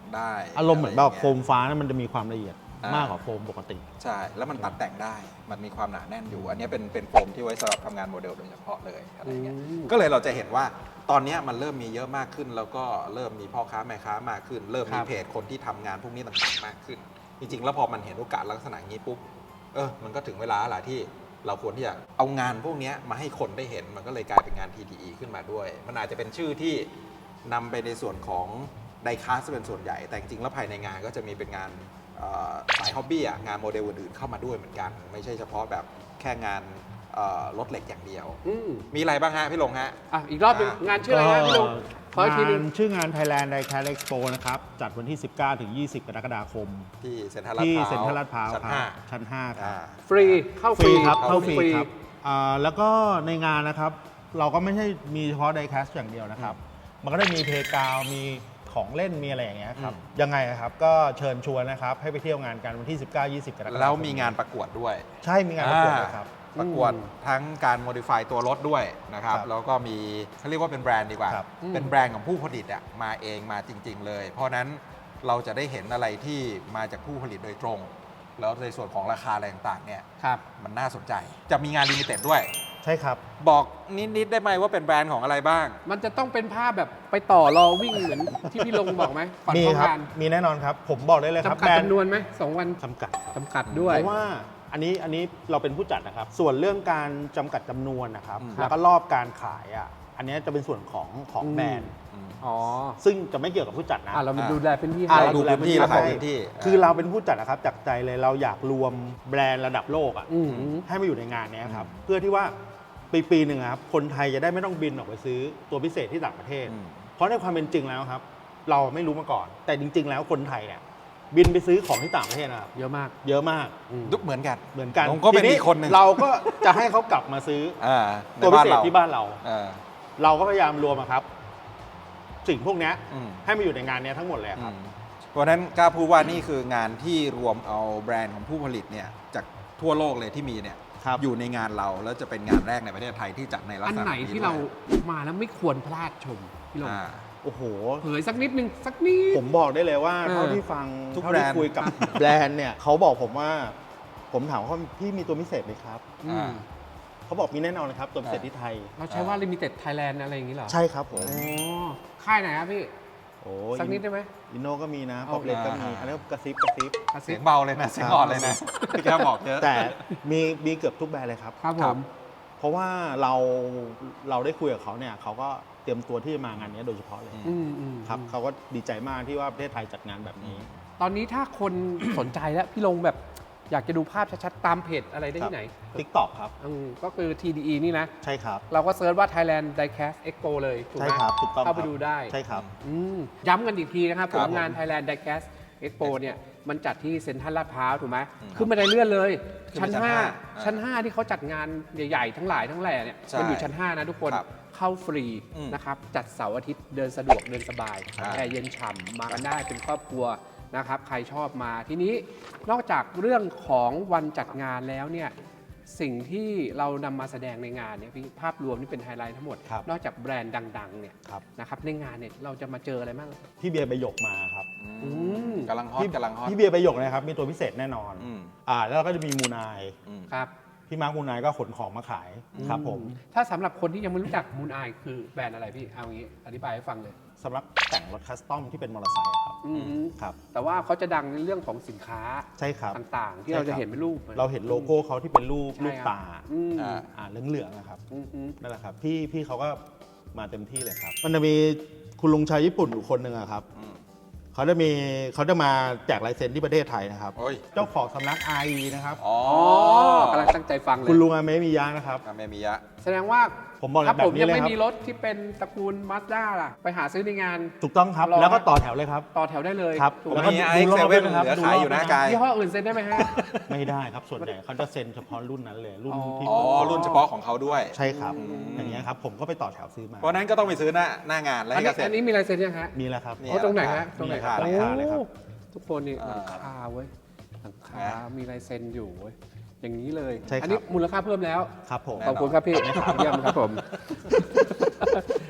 Speaker 1: ได้
Speaker 3: อารมณ์เหมือนแบบ
Speaker 1: ะไย่าง
Speaker 3: โค
Speaker 1: งี้ย
Speaker 3: มฟ้านะมันจะมีความละเอียด
Speaker 1: อ่าม
Speaker 3: มากกว่าโฟมปกติ
Speaker 1: ใช่ แล้วมันตัดแต่งได้ มันมีความหนาแน่นอยู่ อันนี้เป็นเป็นโฟมที่ไว้สำหรับทำงานโมเดลโดยเฉพาะเลยอะไรเงี้ย
Speaker 2: อืม
Speaker 1: ก็เลยเราจะเห็นว่าตอนนี้มันเริ่มมีเยอะมากขึ้น แล้วก็เริ่มมีพ่อค้าแม่ค้ามากขึ้น เริ่มมี
Speaker 2: ครับ
Speaker 1: เพจคนที่ทำงานพวกนี้ต่างๆมากขึ้น จริงๆ แล้วพอมันเห็นโอกาสลักษณะนี้ปุ๊บ เออ มันก็ถึงเวลาแล้วที่เราควรที่จะเอางานพวกนี้มาให้คนได้เห็น มันก็เลยกลายเป็นงาน ที ดี อี ขึ้นมาด้วย มันอาจจะเป็นชื่อที่นำไปในส่วนของไดคาสเป็นส่วนใหญ่ แต่จริงๆ แล้วภายในงานก็จะมีเป็นงานเอ่อสายฮ็อบบี้อะงานโมเดลอื่นๆเข้ามาด้วยเหมือนกัน ไม่ใช่เฉพาะแบบแค่งานเอ่อรถเหล็กอย่างเดียว
Speaker 2: อืม
Speaker 1: มีอะไรบ้างฮะพี่ลงฮะ
Speaker 2: อ่ะอีกรอบหนึง
Speaker 1: อ่ะ
Speaker 2: งานชื่ออะไรนะพี่ลุงขออีกทีหนึง
Speaker 3: งานชื่องาน Thailand Diecast Expo นะครับ จัดวันที่ สิบเก้าถึงยี่สิบ กรกฎาคม
Speaker 1: ที่เซ็นทรัลลาด
Speaker 3: ที่
Speaker 1: พร้าว
Speaker 3: เซ็นทรัลลาดพร้าว
Speaker 1: ชั้น
Speaker 3: ครั
Speaker 1: ห้า
Speaker 3: บชั้น ห้า ครับ
Speaker 1: อ่า
Speaker 2: ฟรีเข้า
Speaker 3: ฟรีครับ
Speaker 2: เข้า
Speaker 3: เข้าฟรี
Speaker 2: ฟรี
Speaker 3: ครับอ่าแล้วก็ในงานนะครับ เราก็ไม่ใช่มีเฉพาะ Diecast อย่างเดียวนะครับ มันก็ได้มีเพลย์กราวด์มีของเล่นมีอะไรอย่างเงี้ยครับ
Speaker 1: อืม
Speaker 3: ยังไงครับ ก็เชิญชวนนะครับ ให้ไปเที่ยวงานกันวันที่ สิบเก้า ยี่สิบ กรกฎาคม
Speaker 1: แล้วมีงานประกวดด้วย
Speaker 3: ใช่มีงานประกวดเลยครับ
Speaker 1: อ่าประกวดทั้งการโมดิฟายตัวรถด้วยนะครับ
Speaker 3: ครับ
Speaker 1: แล้วก็มีเขาเรียกว่าเป็นแบรนด์ดีกว่า
Speaker 3: ครับ
Speaker 1: เป็นแบรนด์ของผู้ผลิตอะมาเองมาจริง ๆ เลย เพราะฉะนั้นเราจะได้เห็นอะไรที่มาจากผู้ผลิตโดยตรง แล้วในส่วนของราคาอะไรต่างๆเนี่ย
Speaker 2: ครับ
Speaker 1: มันน่าสนใจ จะมีงานลิมิเต็ดด้วย
Speaker 3: ใช่ครับ
Speaker 1: บอกนิด ๆ ได้ไหมว่าเป็นแบรนด์ของอะไรบ้าง
Speaker 2: มันจะต้องเป็นภาพแบบไปต่อรอวิ่งเหมือนที่พี่ลงบอกไหมก่อน
Speaker 3: มี
Speaker 2: เข้า
Speaker 3: ครับ
Speaker 2: งาน
Speaker 3: มีแน่นอนครับ ผมบอกได้เลยครับ
Speaker 2: จำกัด
Speaker 3: แบรน
Speaker 2: จำ
Speaker 3: ด์
Speaker 2: นวนไหมสองวัน
Speaker 3: จำกัด
Speaker 2: จำกัดด้วย
Speaker 3: เพราะว่าอันนี้อันนี้เราเป็นผู้จัดนะครับ ส่วนเรื่องการจำกัดจำนวนนะครับ
Speaker 1: อืม
Speaker 3: แล้วก็รอบการขายอ่ะอันนี้จะเป็นส่วนของของ
Speaker 2: อืม
Speaker 3: แบรนด์
Speaker 2: อ๋อ
Speaker 3: ซึ่งจะไม่เกี่ยวกับผู้จัดนะ
Speaker 2: อ่ะเรามาดูแลเป็นที่
Speaker 3: อ่ะ
Speaker 2: ให้
Speaker 1: เราดูพื้นที่
Speaker 3: แล
Speaker 1: เราขาย
Speaker 3: ให้
Speaker 1: พื้นที่
Speaker 3: คือเราเป็นผู้จัดนะครับจากใจเลยเราอยากรวมแบรนด์ระดับโลกอ่ะ
Speaker 2: อืม
Speaker 3: ให้มาอยู่ในงานเนี้ยครับเพื่อที่ว่าปีปีหนึ่งอะครับคนไทยจะได้ไม่ต้องบินออกไปซื้อตัวพิเศษที่ต่างประเทศ
Speaker 1: อืม
Speaker 3: เพราะในความเป็นจริงแล้วครับ เราไม่รู้มาก่อน แต่จริง ๆ แล้วคนไทยเนี่ยบินไปซื้อของที่ต่างประเทศนะครับ
Speaker 2: เยอะมาก
Speaker 3: เยอะมาก
Speaker 2: อืม
Speaker 1: ดุเหมือนกัน
Speaker 3: เหมือนกัน
Speaker 1: ผมก็เป็น
Speaker 3: ที
Speaker 1: อีกคนหนึ่ง
Speaker 3: เราก็จะให้เขากลับมาซื้อ
Speaker 1: อ่าใน
Speaker 3: ตัวพิ
Speaker 1: บ้าน
Speaker 3: เศษ
Speaker 1: เรา
Speaker 3: ที่บ้านเรา
Speaker 1: เออ
Speaker 3: เราก็พยายามรวมอะครับ สิ่งพวกเนี้ย
Speaker 1: อืม
Speaker 3: ให้มาอยู่ในงานเนี้ยทั้งหมดเลยครับ
Speaker 1: อืมเพราะฉะนั้นกล้าพูดว่านี่คืองานที่รวมเอาแบรนด์ของผู้ผลิตเนี่ยจากทั่วโลกเลยที่มีเนี่ย
Speaker 3: ครับ
Speaker 1: อยู่ในงานเราแล้วจะเป็นงานแรกในประเทศไทยที่จัดในลัก
Speaker 2: อัน
Speaker 1: ษณะ
Speaker 2: ไหน
Speaker 1: นี้
Speaker 2: ที่
Speaker 1: ด้วย
Speaker 2: เรามาแล้วไม่ควรพลาดชมพี่ลง
Speaker 1: อ่า
Speaker 3: โอ้โห
Speaker 2: เผยสักนิดนึงสักนิด
Speaker 3: ผมบอกได้เลยว่า
Speaker 2: เออ
Speaker 3: เท่าที่ฟัง
Speaker 1: ทุก
Speaker 3: เท่า
Speaker 1: แบร
Speaker 3: ที่
Speaker 1: นด์
Speaker 3: คุยกับ แบรนด์เนี่ยเขาบอกผมว่า ผมถามว่าพี่มีตัวพิเศษไหมครับ
Speaker 2: อืม
Speaker 3: เขาบอกมีแน่นอนนะครับ ตัวพิเศษที่ไทย
Speaker 2: เราใช้ว่า Limited Thailand อะไรอย่างนี้เหรอ
Speaker 3: ใช่ครับผม
Speaker 2: อ๋อค่ายไหนครับพี่
Speaker 3: โอ้
Speaker 2: สักนิดได้ไหม
Speaker 3: อินโนก็มีนะ
Speaker 2: เอา
Speaker 3: ป๊อปเลตก็มี
Speaker 1: อ่า
Speaker 3: อันนี้นกระซิบกระซิบ
Speaker 2: กระซิ
Speaker 1: เสีย
Speaker 2: บ
Speaker 1: งเบาเลยนะเสียงอ่อนเลยนะพี่แกบอกเยอะ
Speaker 3: แต่มีมีเกือบทุกแบรนด์เลยครับ
Speaker 2: ครับผ
Speaker 1: ครับ
Speaker 2: ม
Speaker 3: เพราะว่าเราเราได้คุยกับเขาเนี่ยเขาก็เตรียมตัวที่จะมางานนี้โดยเฉพาะเลย
Speaker 2: อืมอืม
Speaker 3: ครับเขาก็ดีใจมากที่ว่าประเทศไทยจัดงานแบบนี้
Speaker 2: ตอนนี้ถ้าคน สนใจแล้วพี่ลงแบบอยากจะดูภาพชัดๆ ตามเพจอะไรได้ที่ไหน
Speaker 3: ทิกตอกครับ
Speaker 2: อืมก็คือ ที ดี อี นี่นะ
Speaker 3: ใช่ครับ
Speaker 2: เราก็เซิร์ชว่า Thailand Diecast Expo เลยถูกไห
Speaker 3: ใช่
Speaker 2: ม
Speaker 3: ครับถูกต้อง
Speaker 2: เข้าไป
Speaker 3: ครับ
Speaker 2: ดูได้
Speaker 3: ใช่ครับ
Speaker 2: อืมย้ำกันอีกทีนะครับ
Speaker 1: ค
Speaker 2: ผ
Speaker 1: รับ
Speaker 2: มงาน
Speaker 1: ผม
Speaker 2: Thailand Diecast Expo เนี่ยมันจัดที่เซ็นทรัลลาดพร้าวถูกไหม
Speaker 1: อืม
Speaker 2: ขึ้นบันไดเลื่อนเลย
Speaker 1: ขึ้น
Speaker 2: ชั้น
Speaker 1: ไปชั้น
Speaker 2: ห้า
Speaker 1: ห้า
Speaker 2: ชั้น ห้า ที่เขาจัดงานใหญ่ ๆ ทั้งหลายทั้งแหล่เนี่ย
Speaker 1: ใช่
Speaker 2: มันอยู่ชั้น ห้า นะทุกคน
Speaker 1: ครับ
Speaker 2: เข้าฟรี
Speaker 1: อืม
Speaker 2: นะครับจัดเสาร์อาทิตย์เดินสะดวกเดินสบาย
Speaker 1: ใช่
Speaker 2: แอร์เย็นฉ่ำมากันได้เป็นครอบครัวนะครับใครชอบมาทีนี้นอกจากเรื่องของวันจัดงานแล้วเนี่ยสิ่งที่เรานำมาแสดงในงานเนี่ยพี่ภาพรวมนี่เป็นไฮไลท์ทั้งหมด
Speaker 3: ครับ
Speaker 2: นอกจากแบรนด์ดังๆเนี่ย
Speaker 3: ครับ
Speaker 2: นะครับในงานเนี่ยเราจะมาเจออะไรบ้าง
Speaker 3: พี่เบียร์ใบหยกมาครับ
Speaker 1: อืม
Speaker 2: ม
Speaker 1: กำลังฮอต
Speaker 3: พี่
Speaker 1: กำลังฮอต
Speaker 3: พี่เบียร์ใบหยกนะครับมีตัวพิเศษแน่นอน
Speaker 1: อืม
Speaker 3: อ่าแล้วเราก็จะมีมูนาย
Speaker 1: อืม
Speaker 2: ครับ
Speaker 3: พี่มาร์คมูนายก็ขนของมาขายครับผม
Speaker 2: ถ้าสำหรับคนที่ยังไม่รู้จักมูนไอคือแบรนด์อะไรพี่เอางี้อธิบายให้ฟังเลย
Speaker 3: สำหรับแต่งรถคัสตอมที่เป็นมอเตอร์ไซค์ครับ
Speaker 2: อืม
Speaker 3: ครับ
Speaker 2: แต่ว่าเขาจะดังในเรื่องของสินค้า
Speaker 3: ใช่ครับ
Speaker 2: ต่างๆ ที่
Speaker 3: ใช่
Speaker 2: เราจะ
Speaker 3: ครับ
Speaker 2: เห็นเป็นรูป
Speaker 3: เราเห็นโลโก้เขาที่เป็นรูป
Speaker 2: ใช่
Speaker 3: ลูก
Speaker 2: ครับ
Speaker 3: ตา
Speaker 2: อืม
Speaker 1: อ่า
Speaker 3: อ่าเหลืองๆนะครับ
Speaker 2: อืมอืม
Speaker 3: นั่นแหละครับพี่พี่เขาก็มาเต็มที่เลยครับ มันจะมีคุณลุงชาวญี่ปุ่นอยู่คนหนึ่งอะครับ
Speaker 1: อืม
Speaker 3: เขาจะมีเขาจะมาแจกลายเซ็นที่ประเทศไทยนะครับ
Speaker 1: โอ้ย
Speaker 3: เจ้าของสำนัก อาร์ อี นะครับ
Speaker 1: อ๋อ
Speaker 2: อ๋อกำลังตั้งใจฟังเลย
Speaker 3: คุณลุงอาเมมิยะนะครับ
Speaker 1: อาเมมิยะ
Speaker 2: แสดงว่า
Speaker 3: ผมบอกเลย
Speaker 2: ถ้าผม
Speaker 3: แบบนี้
Speaker 2: ยัง
Speaker 3: เลย
Speaker 2: ไม่
Speaker 3: ครับ
Speaker 2: มีรถที่เป็นตระกูลมาสด้าล่ะ ไปหาซื้อในงาน
Speaker 3: ถูกต้องครับ
Speaker 2: รอ
Speaker 3: แล้วก็ต่อแถวเลยครับ
Speaker 2: ต่อแถวได้เลย
Speaker 3: ครับ
Speaker 2: ถูกไห
Speaker 3: แล้ว
Speaker 2: ม
Speaker 3: ก็
Speaker 1: มี
Speaker 3: ดู
Speaker 1: ไอซ์
Speaker 3: รอบ
Speaker 1: เซเว่น
Speaker 3: ด้วยนะครับ
Speaker 1: เหลือ
Speaker 3: ดู
Speaker 1: ขาย
Speaker 3: รอบ
Speaker 1: อยู่หน้า
Speaker 3: ด้วยนะ
Speaker 1: กาย
Speaker 2: ยี่ห้ออื่นเซ็นได้ไหมฮะ
Speaker 3: ไม่ได้ครับ ส่วนใหญ่เขาจะเซ็นเฉพาะรุ่นนั้นเลย รุ่น
Speaker 2: อ๋อ
Speaker 3: ที่
Speaker 1: อ๋อ รุ่นเฉพาะของเขาด้วย
Speaker 3: ใช่ครับ
Speaker 1: อืม
Speaker 3: อย่างเงี้ยครับ ผมก็ไปต่อแถวซื้อมา
Speaker 1: เพราะฉะนั้นก็ต้องไปซื้อหน้าหน้างานแล้ว
Speaker 2: อัน
Speaker 1: ให้
Speaker 2: นี้
Speaker 1: เกษต
Speaker 2: อั
Speaker 1: ร
Speaker 2: นนี้มีลายเซ็นยังฮะ
Speaker 3: มีแล้วครับ
Speaker 1: นี่
Speaker 2: โอ้ตรงไหนฮะ
Speaker 1: มี
Speaker 2: ตรงไหน
Speaker 1: ราคา
Speaker 2: โอ้
Speaker 3: ราคาเลยครับ
Speaker 2: ทุกคนนี่
Speaker 1: อ่า
Speaker 2: หลังคาเว้ยหลังคา
Speaker 1: นะ
Speaker 2: มีลายเซ็นอยู่เว้ยอย่างนี้เลย
Speaker 3: ใช่ครับ
Speaker 2: อันี้มูลค่าเพิ่มแล้ว
Speaker 3: ครับผม
Speaker 1: แน่
Speaker 2: ขอบคุณครับพี่เยี่ยมครับผม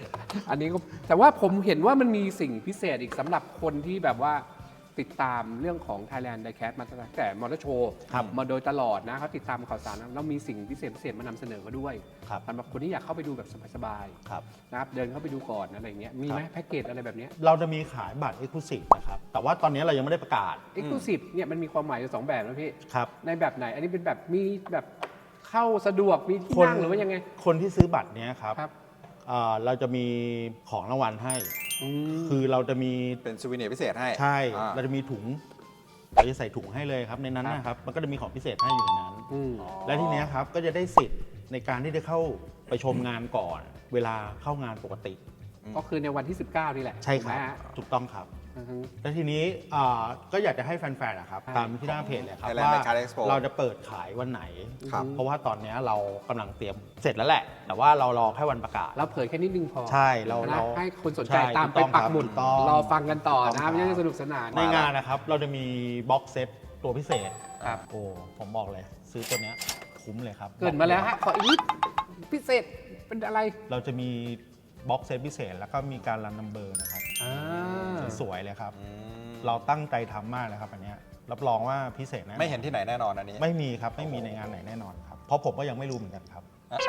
Speaker 2: อันนี้ก็แต่ว่าผมเห็นว่ามันมีสิ่งพิเศษอีกสำหรับคนที่แบบว่าติดตามเรื่องของ Thailand Diecast มาตั้งแต่มอเตอร์โชว์
Speaker 3: ครับ
Speaker 2: มาโดยตลอดนะเขาติดตามข่าวสารนะแล้วมีสิ่งพิเศษพิเศษมานำเสนอก็ด้วย
Speaker 3: ครับ
Speaker 2: สำหรับคนที่อยากเข้าไปดูแบบสบาย
Speaker 3: ครับ
Speaker 2: ๆนะครับเดินเข้าไปดูก่อนอะไรเงี้ยมีไหม
Speaker 3: ครับ
Speaker 2: แพ็กเกจอะไรแบบเนี้ย
Speaker 3: เราจะมีขายบัตร Exclusive นะครับ แต่ว่าตอนนี้เรายังไม่ได้ประกาศ
Speaker 2: Exclusive เนี่ยมันมีความหมายอยู่สองแบบนะพี่
Speaker 3: ครับ
Speaker 2: ในแบบไหน อันนี้เป็นแบบมีแบบเข้าสะดวกมีที่
Speaker 3: คน
Speaker 2: นั่งหรือว่ายังไง
Speaker 3: คนที่ซื้อบัตรเนี้ยครับ
Speaker 2: ครับ
Speaker 3: เอ่อเราจะมีของรางวัลให้
Speaker 2: อืม
Speaker 3: คือเราจะมี
Speaker 1: เป็นซูวิเนียร์พิเศษให้
Speaker 3: ใช่
Speaker 1: อ่า
Speaker 3: เราจะมีถุง เราจะใส่ถุงให้เลยครับ ในนั้น
Speaker 2: ครับ
Speaker 3: นะครับ มันก็จะมีของพิเศษให้อยู่ในนั้น
Speaker 2: อืม
Speaker 3: และทีเนี้ยครับ ก็จะได้สิทธิ์ในการที่ได้เข้าไปชมงานก่อน เวลาเข้างานปกติ
Speaker 2: ก็คือในวันที่ สิบเก้า นี่แหละ
Speaker 3: ใช่ครับ
Speaker 2: ถูกไหมฮะ
Speaker 3: ถูกต้องครับ
Speaker 2: อือฮึ
Speaker 3: แล้วทีนี้อ่าก็อยากจะให้แฟนๆนะครับ
Speaker 2: ครับ
Speaker 3: ตามที่หน้าเพจเลยครับ
Speaker 1: Thailand
Speaker 3: ว่า
Speaker 1: Diecast Expo
Speaker 3: เราจะเปิดขายวันไหน
Speaker 1: ครับ
Speaker 3: เพราะว่าตอนเนี้ยเรากำลังเตรียมเสร็จแล้วแหละ แต่ว่าเรารอแค่วันประกาศ
Speaker 2: เราเผยแค่นิดนึงพอ
Speaker 3: ใช่เรา
Speaker 2: นะ
Speaker 3: เรา
Speaker 2: ให้คนสนใจ
Speaker 3: ใช่
Speaker 2: ตามไป
Speaker 3: ถูกต้อง
Speaker 2: ปักหมุด
Speaker 3: ถูกต้อง
Speaker 2: รอฟังกันต่อ
Speaker 3: ถูกต้
Speaker 2: นะ
Speaker 3: อง
Speaker 2: ไม่
Speaker 3: ครับ
Speaker 2: ใช่สนุกสนาน
Speaker 3: ในงานนะครับ เราจะมีบ็อกเซตตัวพิเศษ
Speaker 2: ครับ
Speaker 3: โอ้ผมบอกเลย ซื้อตัวเนี้ยคุ้มเลยครับ
Speaker 2: เกิดมาแล้วฮะขออีกนิดพิเศษเป็นอะไร
Speaker 3: เราจะมีบ็อกเซตพิเศษ แล้วก็มีการรันนัมเบอร์นะครับ
Speaker 2: อ่า
Speaker 3: สวยๆเลยครับ
Speaker 1: อืม
Speaker 3: เราตั้งใจทำมากเลยครับอันเนี้ยรับรองว่าพิเศษแน่นอน
Speaker 1: ไม่เห็นที่ไหนแน่นอนอันนี้
Speaker 3: ไม่มีครับ ไม่มีในงานไหนแน่นอนครับ เพราะผมก็ยังไม่รู้เหมือนกันครับ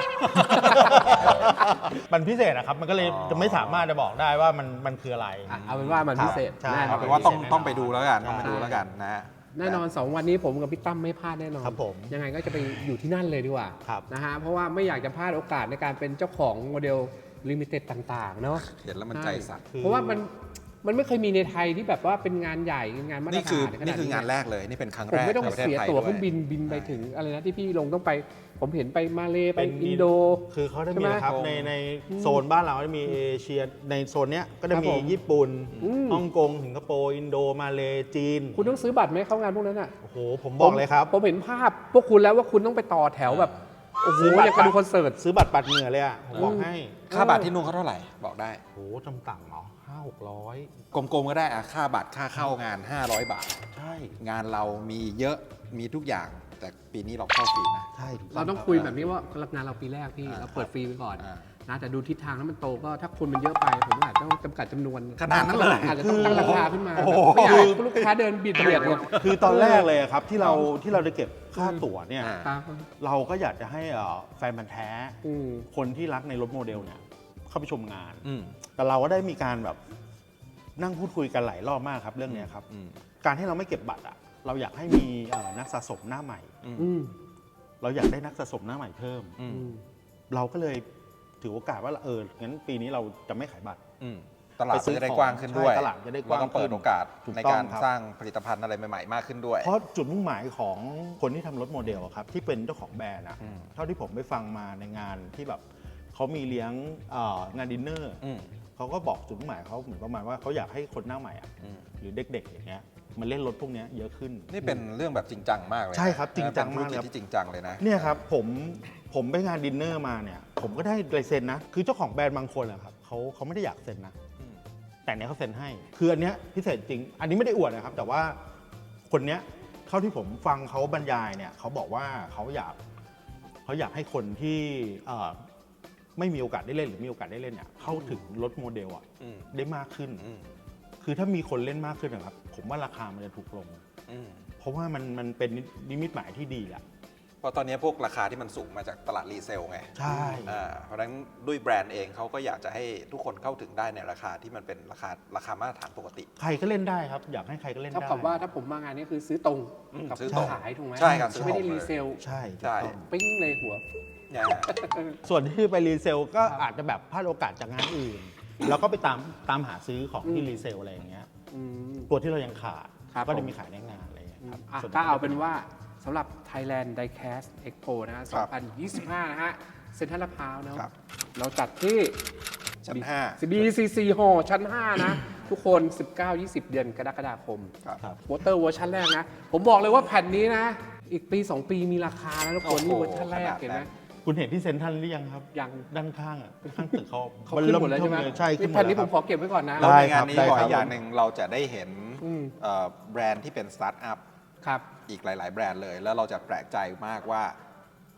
Speaker 3: มันพิเศษนะครับ มันก็เลย
Speaker 1: อ๋อ
Speaker 3: จะไม่สามารถจะบอกได้ว่ามันมันคืออะไร
Speaker 2: อ่ะเอาเป็นว่ามันพิเศษ
Speaker 3: ใช่
Speaker 2: แน่น
Speaker 1: เอา
Speaker 2: อน
Speaker 1: เป็นว่าต้อง
Speaker 3: พิเศษแน่นอน
Speaker 1: ต้องไปดูแล้วกัน
Speaker 3: ใช่
Speaker 1: ต้องไปดูแล้วกันนะ
Speaker 2: แน่นอนสองวันนี้ผมกับพี่ตั้มไม่พลาดแน่นอน
Speaker 3: ครับผม
Speaker 2: ยังไงก็จะไปอยู่ที่นั่นเลยดีกว่า
Speaker 3: ครับ
Speaker 2: นะฮะเพราะว่าไม่อยากจะพลาดโอกาสในการเป็นเจ้าของโมเดลลิมิเต็ดต่างๆเนาะ
Speaker 1: เห็นแล้วมันใจสั่น
Speaker 3: คือ
Speaker 2: เพราะว่ามันมันไม่เคยมีในไทยที่แบบว่าเป็นงานใหญ่งานมาตร
Speaker 1: นี่
Speaker 2: ฐาน
Speaker 1: คือ
Speaker 2: ข
Speaker 1: นี่
Speaker 2: ด
Speaker 1: คืองานแรกเลย นี่เป็นครั้ง
Speaker 2: ผม
Speaker 1: แรก
Speaker 2: ไม่ต้อง
Speaker 1: ในประเทศ
Speaker 2: เสีย
Speaker 1: ไทย
Speaker 2: ตั๋ว
Speaker 1: ด้
Speaker 2: เค
Speaker 1: วย
Speaker 2: รื่องบินบินไปถึงอะไรนะที่พี่ลงต้องไป ผมเห็นไปมาเลไป
Speaker 3: เป็น
Speaker 2: อินโด
Speaker 3: คือเขาได้
Speaker 2: ใช่
Speaker 3: มี
Speaker 2: ไหม
Speaker 3: นะครับในในโซนบ้านเราจะมีเอเชียในโซนเนี้ยก็จะ
Speaker 2: ครับ
Speaker 3: มี
Speaker 2: ผม
Speaker 3: ญี่ปุ่น
Speaker 2: อืม
Speaker 3: ฮ่องกงสิงคโปร์อินโดมาเลจีน
Speaker 2: คุณต้องซื้อบัตรไหมเข้างานพวกนั้นอ่ะ
Speaker 3: โอ้โหผมบอกเลยครับ
Speaker 2: ผมเห็นภาพพวกคุณแล้วว่าคุณต้องไปต่อแถวแบบโอ้โห
Speaker 3: ซื้อบัตร
Speaker 2: อยากไปดูคอนเสิร์ต
Speaker 3: ซื้อบัตรปัดเหงื่อเลยอ่ะผมบอกให้
Speaker 1: ค่าบัตรที่นู่นเขาเท่าไหร่ บอกได้
Speaker 3: โอ้โหจำต่ำเหรอห้าหกร้อย
Speaker 1: กลมๆก็ได้อะค่าบัตรค่าเข้างาน ห้าร้อย บาท
Speaker 3: ใช่
Speaker 1: งานเรามีเยอะมีทุกอย่าง แต่ปีนี้เราเข้าฟรีนะ
Speaker 3: ใช่ถูก
Speaker 2: เราต้องคุยแบบนี้ว่ารับงานเราปีแรกพี่
Speaker 1: อ่า
Speaker 2: เราเปิดฟรีไปก่อน
Speaker 1: อ่า
Speaker 2: นะแต่ดูทิศทางแล้วมันโตก็ถ้าคนมันเยอะไป ผมอาจจะต้องจำกัดจำนวน
Speaker 1: ขนาดนั้นเลย
Speaker 2: อาจจะต้องตั้งราคาขึ้นมา
Speaker 1: โอ้โห
Speaker 2: ไม่อยากให้ลูกค้าเดินบิดเบียดเนี่ย
Speaker 3: คือตอนแรกเลยอะครับที่เราที่เราจะเก็บค่าตั๋วเนี่ย
Speaker 1: อ่า
Speaker 2: ครับ
Speaker 3: เราก็อยากจะให้เอ่อแฟนพันธ์แท้
Speaker 2: อืม
Speaker 3: คนที่รักในรถโมเดลเนี่ยเข้าไปชมงาน
Speaker 1: อืม
Speaker 3: แต่เราก็ได้มีการแบบนั่งพูดคุยกันหลายรอบมากครับเรื่องเนี้ยครับ
Speaker 1: อืม
Speaker 3: การที่เราไม่เก็บบัตรอ่ะเราอยากให้มีเอ่อนักสะสมหน้าใหม่
Speaker 2: อืม
Speaker 3: เราอยากได้นักสะสมหน้าใหม่เพิ่ม
Speaker 1: อืม
Speaker 2: อืม
Speaker 3: เราก็เลยถือโอกาสว่าเอองั้นปีนี้เราจะไม่ขายบัตร
Speaker 1: อืมตลาด
Speaker 3: ไปซื้อ
Speaker 1: จะได้
Speaker 3: ของ
Speaker 1: กว้างขึ้นด้วย
Speaker 3: ใช่ตลาดจะได้กว้าง
Speaker 1: แล้ต้องเปิดโอกาส
Speaker 3: ถูก
Speaker 1: ใน
Speaker 3: ต้อง
Speaker 1: การ
Speaker 3: ครับ
Speaker 1: สร้างผลิตภัณฑ์อะไรใหม่ๆ มากขึ้นด้วย
Speaker 3: เพราะจุดมุ่งหมายของคนที่ทำรถโมเดลอะครับที่เป็นเจ้าของแบรนด์อะ
Speaker 1: อืม
Speaker 3: เท่าที่ผมไปฟังมาในงานที่แบบเขามีเลี้ยงเอ่องานดินเนอร์
Speaker 1: อืม
Speaker 3: เขาก็บอกจุดมุ่งหมายเขาเหมือนประมาณว่าเขาอยากให้คนหน้าใหม่อะ
Speaker 1: อืม
Speaker 3: หรือเด็กๆอย่างเงี้ยมันเล่นรถพวกเนี้ยเยอะขึ้น
Speaker 1: นี่เป็นเรื่องแบบจริงจังมากเลยนะ
Speaker 3: ใช่ครับจริงจัง
Speaker 1: เป็นธุรกิจ
Speaker 3: มากเลย
Speaker 1: ที่จริงจังเลยนะ
Speaker 3: เนี่ยครับผมผมไปงานดินเนอร์มาเนี่ยผมก็ได้ลายเซ็นนะ คือเจ้าของแบรนด์บางคนอะครับเขาเขาไม่ได้อยากเซ็นนะ
Speaker 1: อืม
Speaker 3: แต่เนี้ยเขาเซ็นให้ คืออันเนี้ยพิเศษจริง อันนี้ไม่ได้อวดนะครับ แต่ว่าคนเนี้ยเท่าที่ผมฟังเขาบรรยายเนี่ยเขาบอกว่าเขาอยากเขาอยากให้คนที่เอ่อไม่มีโอกาสได้เล่นหรือมีโอกาสได้เล่นเนี่ยเข้าถึงรถโมเดลอะ
Speaker 1: อืม
Speaker 3: ได้มากขึ้น
Speaker 1: อืม
Speaker 3: คือถ้ามีคนเล่นมากขึ้นนะครับผมว่าราคามันจะถูกลง
Speaker 1: อืม
Speaker 3: เพราะว่ามันมันเป็นนิมิตหมายที่ดีแหละ
Speaker 1: เพราะตอนนี้พวกราคาที่มันสูงมาจากตลาดรีเซลไง
Speaker 3: ใช่
Speaker 1: อ่าเพราะฉะนั้นด้วยแบรนด์เองเขาก็อยากจะให้ทุกคนเข้าถึงได้ในราคาที่มันเป็นราคาราคามาตรฐานปกติ
Speaker 3: ใครก็เล่นได้ครับ อยากให้ใครก็เล่น
Speaker 2: เท่า
Speaker 3: ได้
Speaker 2: กับว่าถ้าผมมางานนี้คือซื้อตรง
Speaker 1: อืม
Speaker 2: กับ
Speaker 1: ซื้อตรง
Speaker 2: ขายถูกไหม
Speaker 1: ใช่ครับซื้อ
Speaker 2: ไม่ได้
Speaker 1: ตรง
Speaker 2: รี
Speaker 1: เลย
Speaker 2: เซล
Speaker 3: ใช่
Speaker 1: ใช่
Speaker 3: ถูกต้อง
Speaker 2: ปิ้งในหัว
Speaker 1: เนี่ย
Speaker 3: ส่วนที่ไปรีเซลก็
Speaker 2: ครับ
Speaker 3: อาจจะแบบพลาดโอกาสจากงานอื่น แล้วก็ไปตามตามหาซื้อของที่
Speaker 2: อืม
Speaker 3: รีเซลอะไรอย่างเงี้ย
Speaker 2: อืม
Speaker 3: ตัวที่เรายังขาด
Speaker 2: ครับ
Speaker 3: ก็
Speaker 2: ผ
Speaker 3: จะ
Speaker 2: ม
Speaker 3: มีขายในงานอะไรอย่างเงี้ยครับ
Speaker 2: อ่ะ
Speaker 3: ส่วน
Speaker 2: ก็เอาเป็นว่าสำหรับ Thailand Diecast Expo นะฮะ
Speaker 1: ครั
Speaker 2: สอบ งพันยี่สิบห้า นะฮะ เซ็นทรัลลาดพร้าวเนอะ
Speaker 1: ครับ
Speaker 2: เราจัดที่
Speaker 1: ชั้นห้า
Speaker 2: บี ซี ซี Hall ชั้น ห้า นะ ทุกคน สิบเก้ายี่สิบ เดือนกรกฎาคม
Speaker 1: ครับ
Speaker 3: ครับ
Speaker 2: วอเตอร์เวอร์ชันแรกนะ ผมบอกเลยว่าแผ่นนี้นะ อีกปี สอง ปีมีราคาแล้วทุกคน นี่
Speaker 1: โอ้โห
Speaker 2: เวอร์ชันแรก
Speaker 1: ขนาดนั้น
Speaker 2: เห็นไหม
Speaker 3: คุณเห็นที่เซ็นทรัลหรือยังครับ
Speaker 2: ยัง
Speaker 3: ด้านข้างอ่ะข้างตึกเขา
Speaker 2: เขาขึ้นหมดแล้วใช่ไหม
Speaker 3: เริ่เทิใช่ขึ้นหม
Speaker 2: แผ่
Speaker 3: ด
Speaker 2: น
Speaker 3: แล้
Speaker 2: นี้
Speaker 3: ว
Speaker 2: ผ
Speaker 3: ครั
Speaker 2: ม
Speaker 3: บ
Speaker 2: ขอเก็บไว้ก่อนนะ
Speaker 1: แล้ว
Speaker 3: ได้
Speaker 1: ในงานนี้
Speaker 3: ครับ
Speaker 1: บอก
Speaker 3: ได้ครับ
Speaker 1: อีกอย่างหนึ่งเราจะได้เห็น
Speaker 2: อืม
Speaker 1: เอ่อแบรนด์ที่เป็นสตาร์ทอัพ
Speaker 2: ครับ
Speaker 1: อีกหลาย ๆ แบรนด์เลย แล้วเราจะแปลกใจมากว่า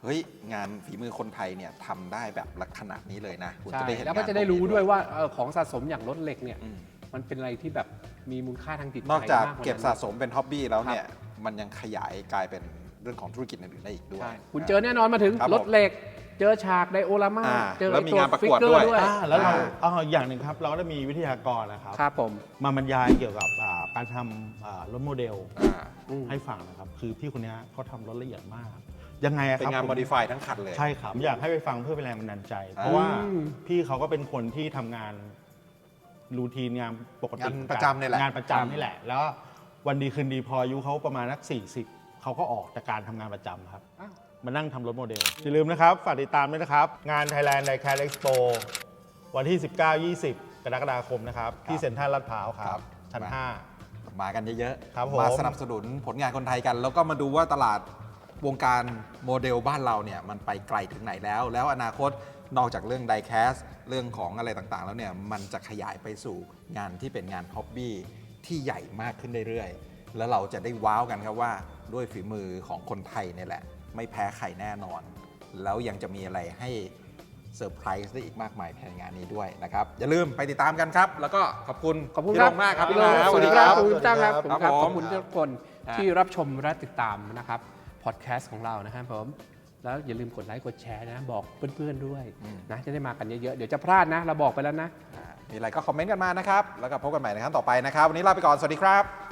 Speaker 1: เฮ้ยงานฝีมือคนไทยเนี่ยทำได้แบบลักษณะนี้เลยนะคุณ
Speaker 2: ใช่
Speaker 1: จะได้เห็น
Speaker 2: แล้วก็
Speaker 1: งาน
Speaker 2: จะได้
Speaker 1: พกนี้
Speaker 2: รู้ด้วยว่าเออของสะสมอย่างรถเหล็กเนี่ย
Speaker 1: อืม
Speaker 2: มันเป็นอะไรที่แบบมีมูลค่าทางจิตใจ
Speaker 1: นอกจาก
Speaker 2: มากว่า
Speaker 1: เก็บ
Speaker 2: นั้น
Speaker 1: สะสมเป็นฮ็อบบี้แล้วเนี่ยมันยังขยายกลายเป็นเรื่องของธุรกิจอื่นๆได้อีกด้วย
Speaker 2: ใช่คุณเจอแน่นอนมาถึง
Speaker 1: ครับ
Speaker 2: รถเหล็ก เจอฉากไดโอรามา
Speaker 1: อ่า
Speaker 2: เจอ
Speaker 1: แล้วมี
Speaker 2: ไอ้
Speaker 1: งานประ
Speaker 2: ฟิ
Speaker 1: กวด
Speaker 2: เกอ
Speaker 1: ด้วย
Speaker 2: ด้วย
Speaker 3: อ่าแล้วเรา
Speaker 1: อ่า
Speaker 3: อ่าอย่างหนึ่งครับ เราก็จะมีวิทยากรนะครับ
Speaker 2: ครับผม
Speaker 3: มาบรรยายเกี่ยวกับอ่าการทำอ่ารถโมเดล
Speaker 1: อ่า
Speaker 2: อืม
Speaker 3: ให้ฟังนะครับ คือพี่คนนี้เขาทำรถละเอียดมาก ยังไงอะ
Speaker 1: เป็
Speaker 3: คน รับ
Speaker 1: งาน
Speaker 3: ผม
Speaker 1: โมดิฟายทั้งคันเลย
Speaker 3: ใช่ครับอยากให้ไปฟังเพื่อเป็นแรงบันดาลใจ เพราะว่า
Speaker 2: อืม
Speaker 3: พี่เขาก็เป็นคนที่ทำงานรูทีนงานปกติ
Speaker 1: งานประจำนี่แหละ
Speaker 3: งานประจำนี่แหละ แล้ววันดีคืนดีพออายุเขาประมาณนักสี่สิบเขาก็ออกจากการทำงานประจำครับ
Speaker 2: อ้าว
Speaker 3: มานั่งทำรถโมเดล อย่าลืมนะครับ ฝากติดตามด้วยนะครับ งาน Thailand Diecast Expo วันที่ สิบเก้า ยี่สิบ กรกฎาคมนะครับ ที่เซ็นทรัลลาดพร้าวค
Speaker 1: ครั
Speaker 3: รับ
Speaker 1: บ
Speaker 3: ชั้น
Speaker 1: มา
Speaker 3: ห้า
Speaker 1: มากันเยอะ
Speaker 3: ครับผม
Speaker 1: มาสนับสนุนผลงานคนไทยกัน แล้วก็มาดูว่าตลาดวงการโมเดลบ้านเราเนี่ยมันไปไกลถึงไหนแล้ว แล้วอนาคตนอกจากเรื่องไดแคสเรื่องของอะไรต่างๆ แล้วเนี่ยมันจะขยายไปสู่งานที่เป็นงานฮ็อบบี้ที่ใหญ่มากขึ้นเรื่อยๆ แล้วเราจะได้ว้าวกันครับว่าด้วยฝีมือของคนไทยเนี่ยแหละ ไม่แพ้ใครแน่นอน แล้วยังจะมีอะไรให้เซอร์ไพรส์ได้อีกมากมายภายในงานนี้ด้วยนะครับ อย่าลืมไปติดตามกันครับ แล้วก็ขอบคุณ
Speaker 2: ขอบคุณ
Speaker 1: พี่
Speaker 2: ค
Speaker 1: โร
Speaker 2: รับ
Speaker 1: งมากครับ
Speaker 2: พี่
Speaker 1: พี่
Speaker 2: โร
Speaker 1: โรง ง
Speaker 2: สวัสดีครับขอบคุณจ้างครับ
Speaker 3: สวัสดี
Speaker 2: ขอบคุณครับ
Speaker 3: ครับ
Speaker 2: ขอบคุณทุกคน
Speaker 1: ฮะ
Speaker 2: ที่รับชมและติดตามนะครับพอดแคสต์ของเรานะครับผมแล้วอย่าลืมกดไลค์กดแชร์นะบอกเพื่อนๆด้วยนะจะได้มากันเยอะๆเดี๋ยวจะพลาดนะ เราบอกไปแล้วนะ
Speaker 1: อ่ามีอะไรก็คอมเมนต์กันมานะครับ แล้วก็พบกันใหม่ในครั้งต่อไปนะครับ วันนี้ลาไปก่อน สวัสดีครับ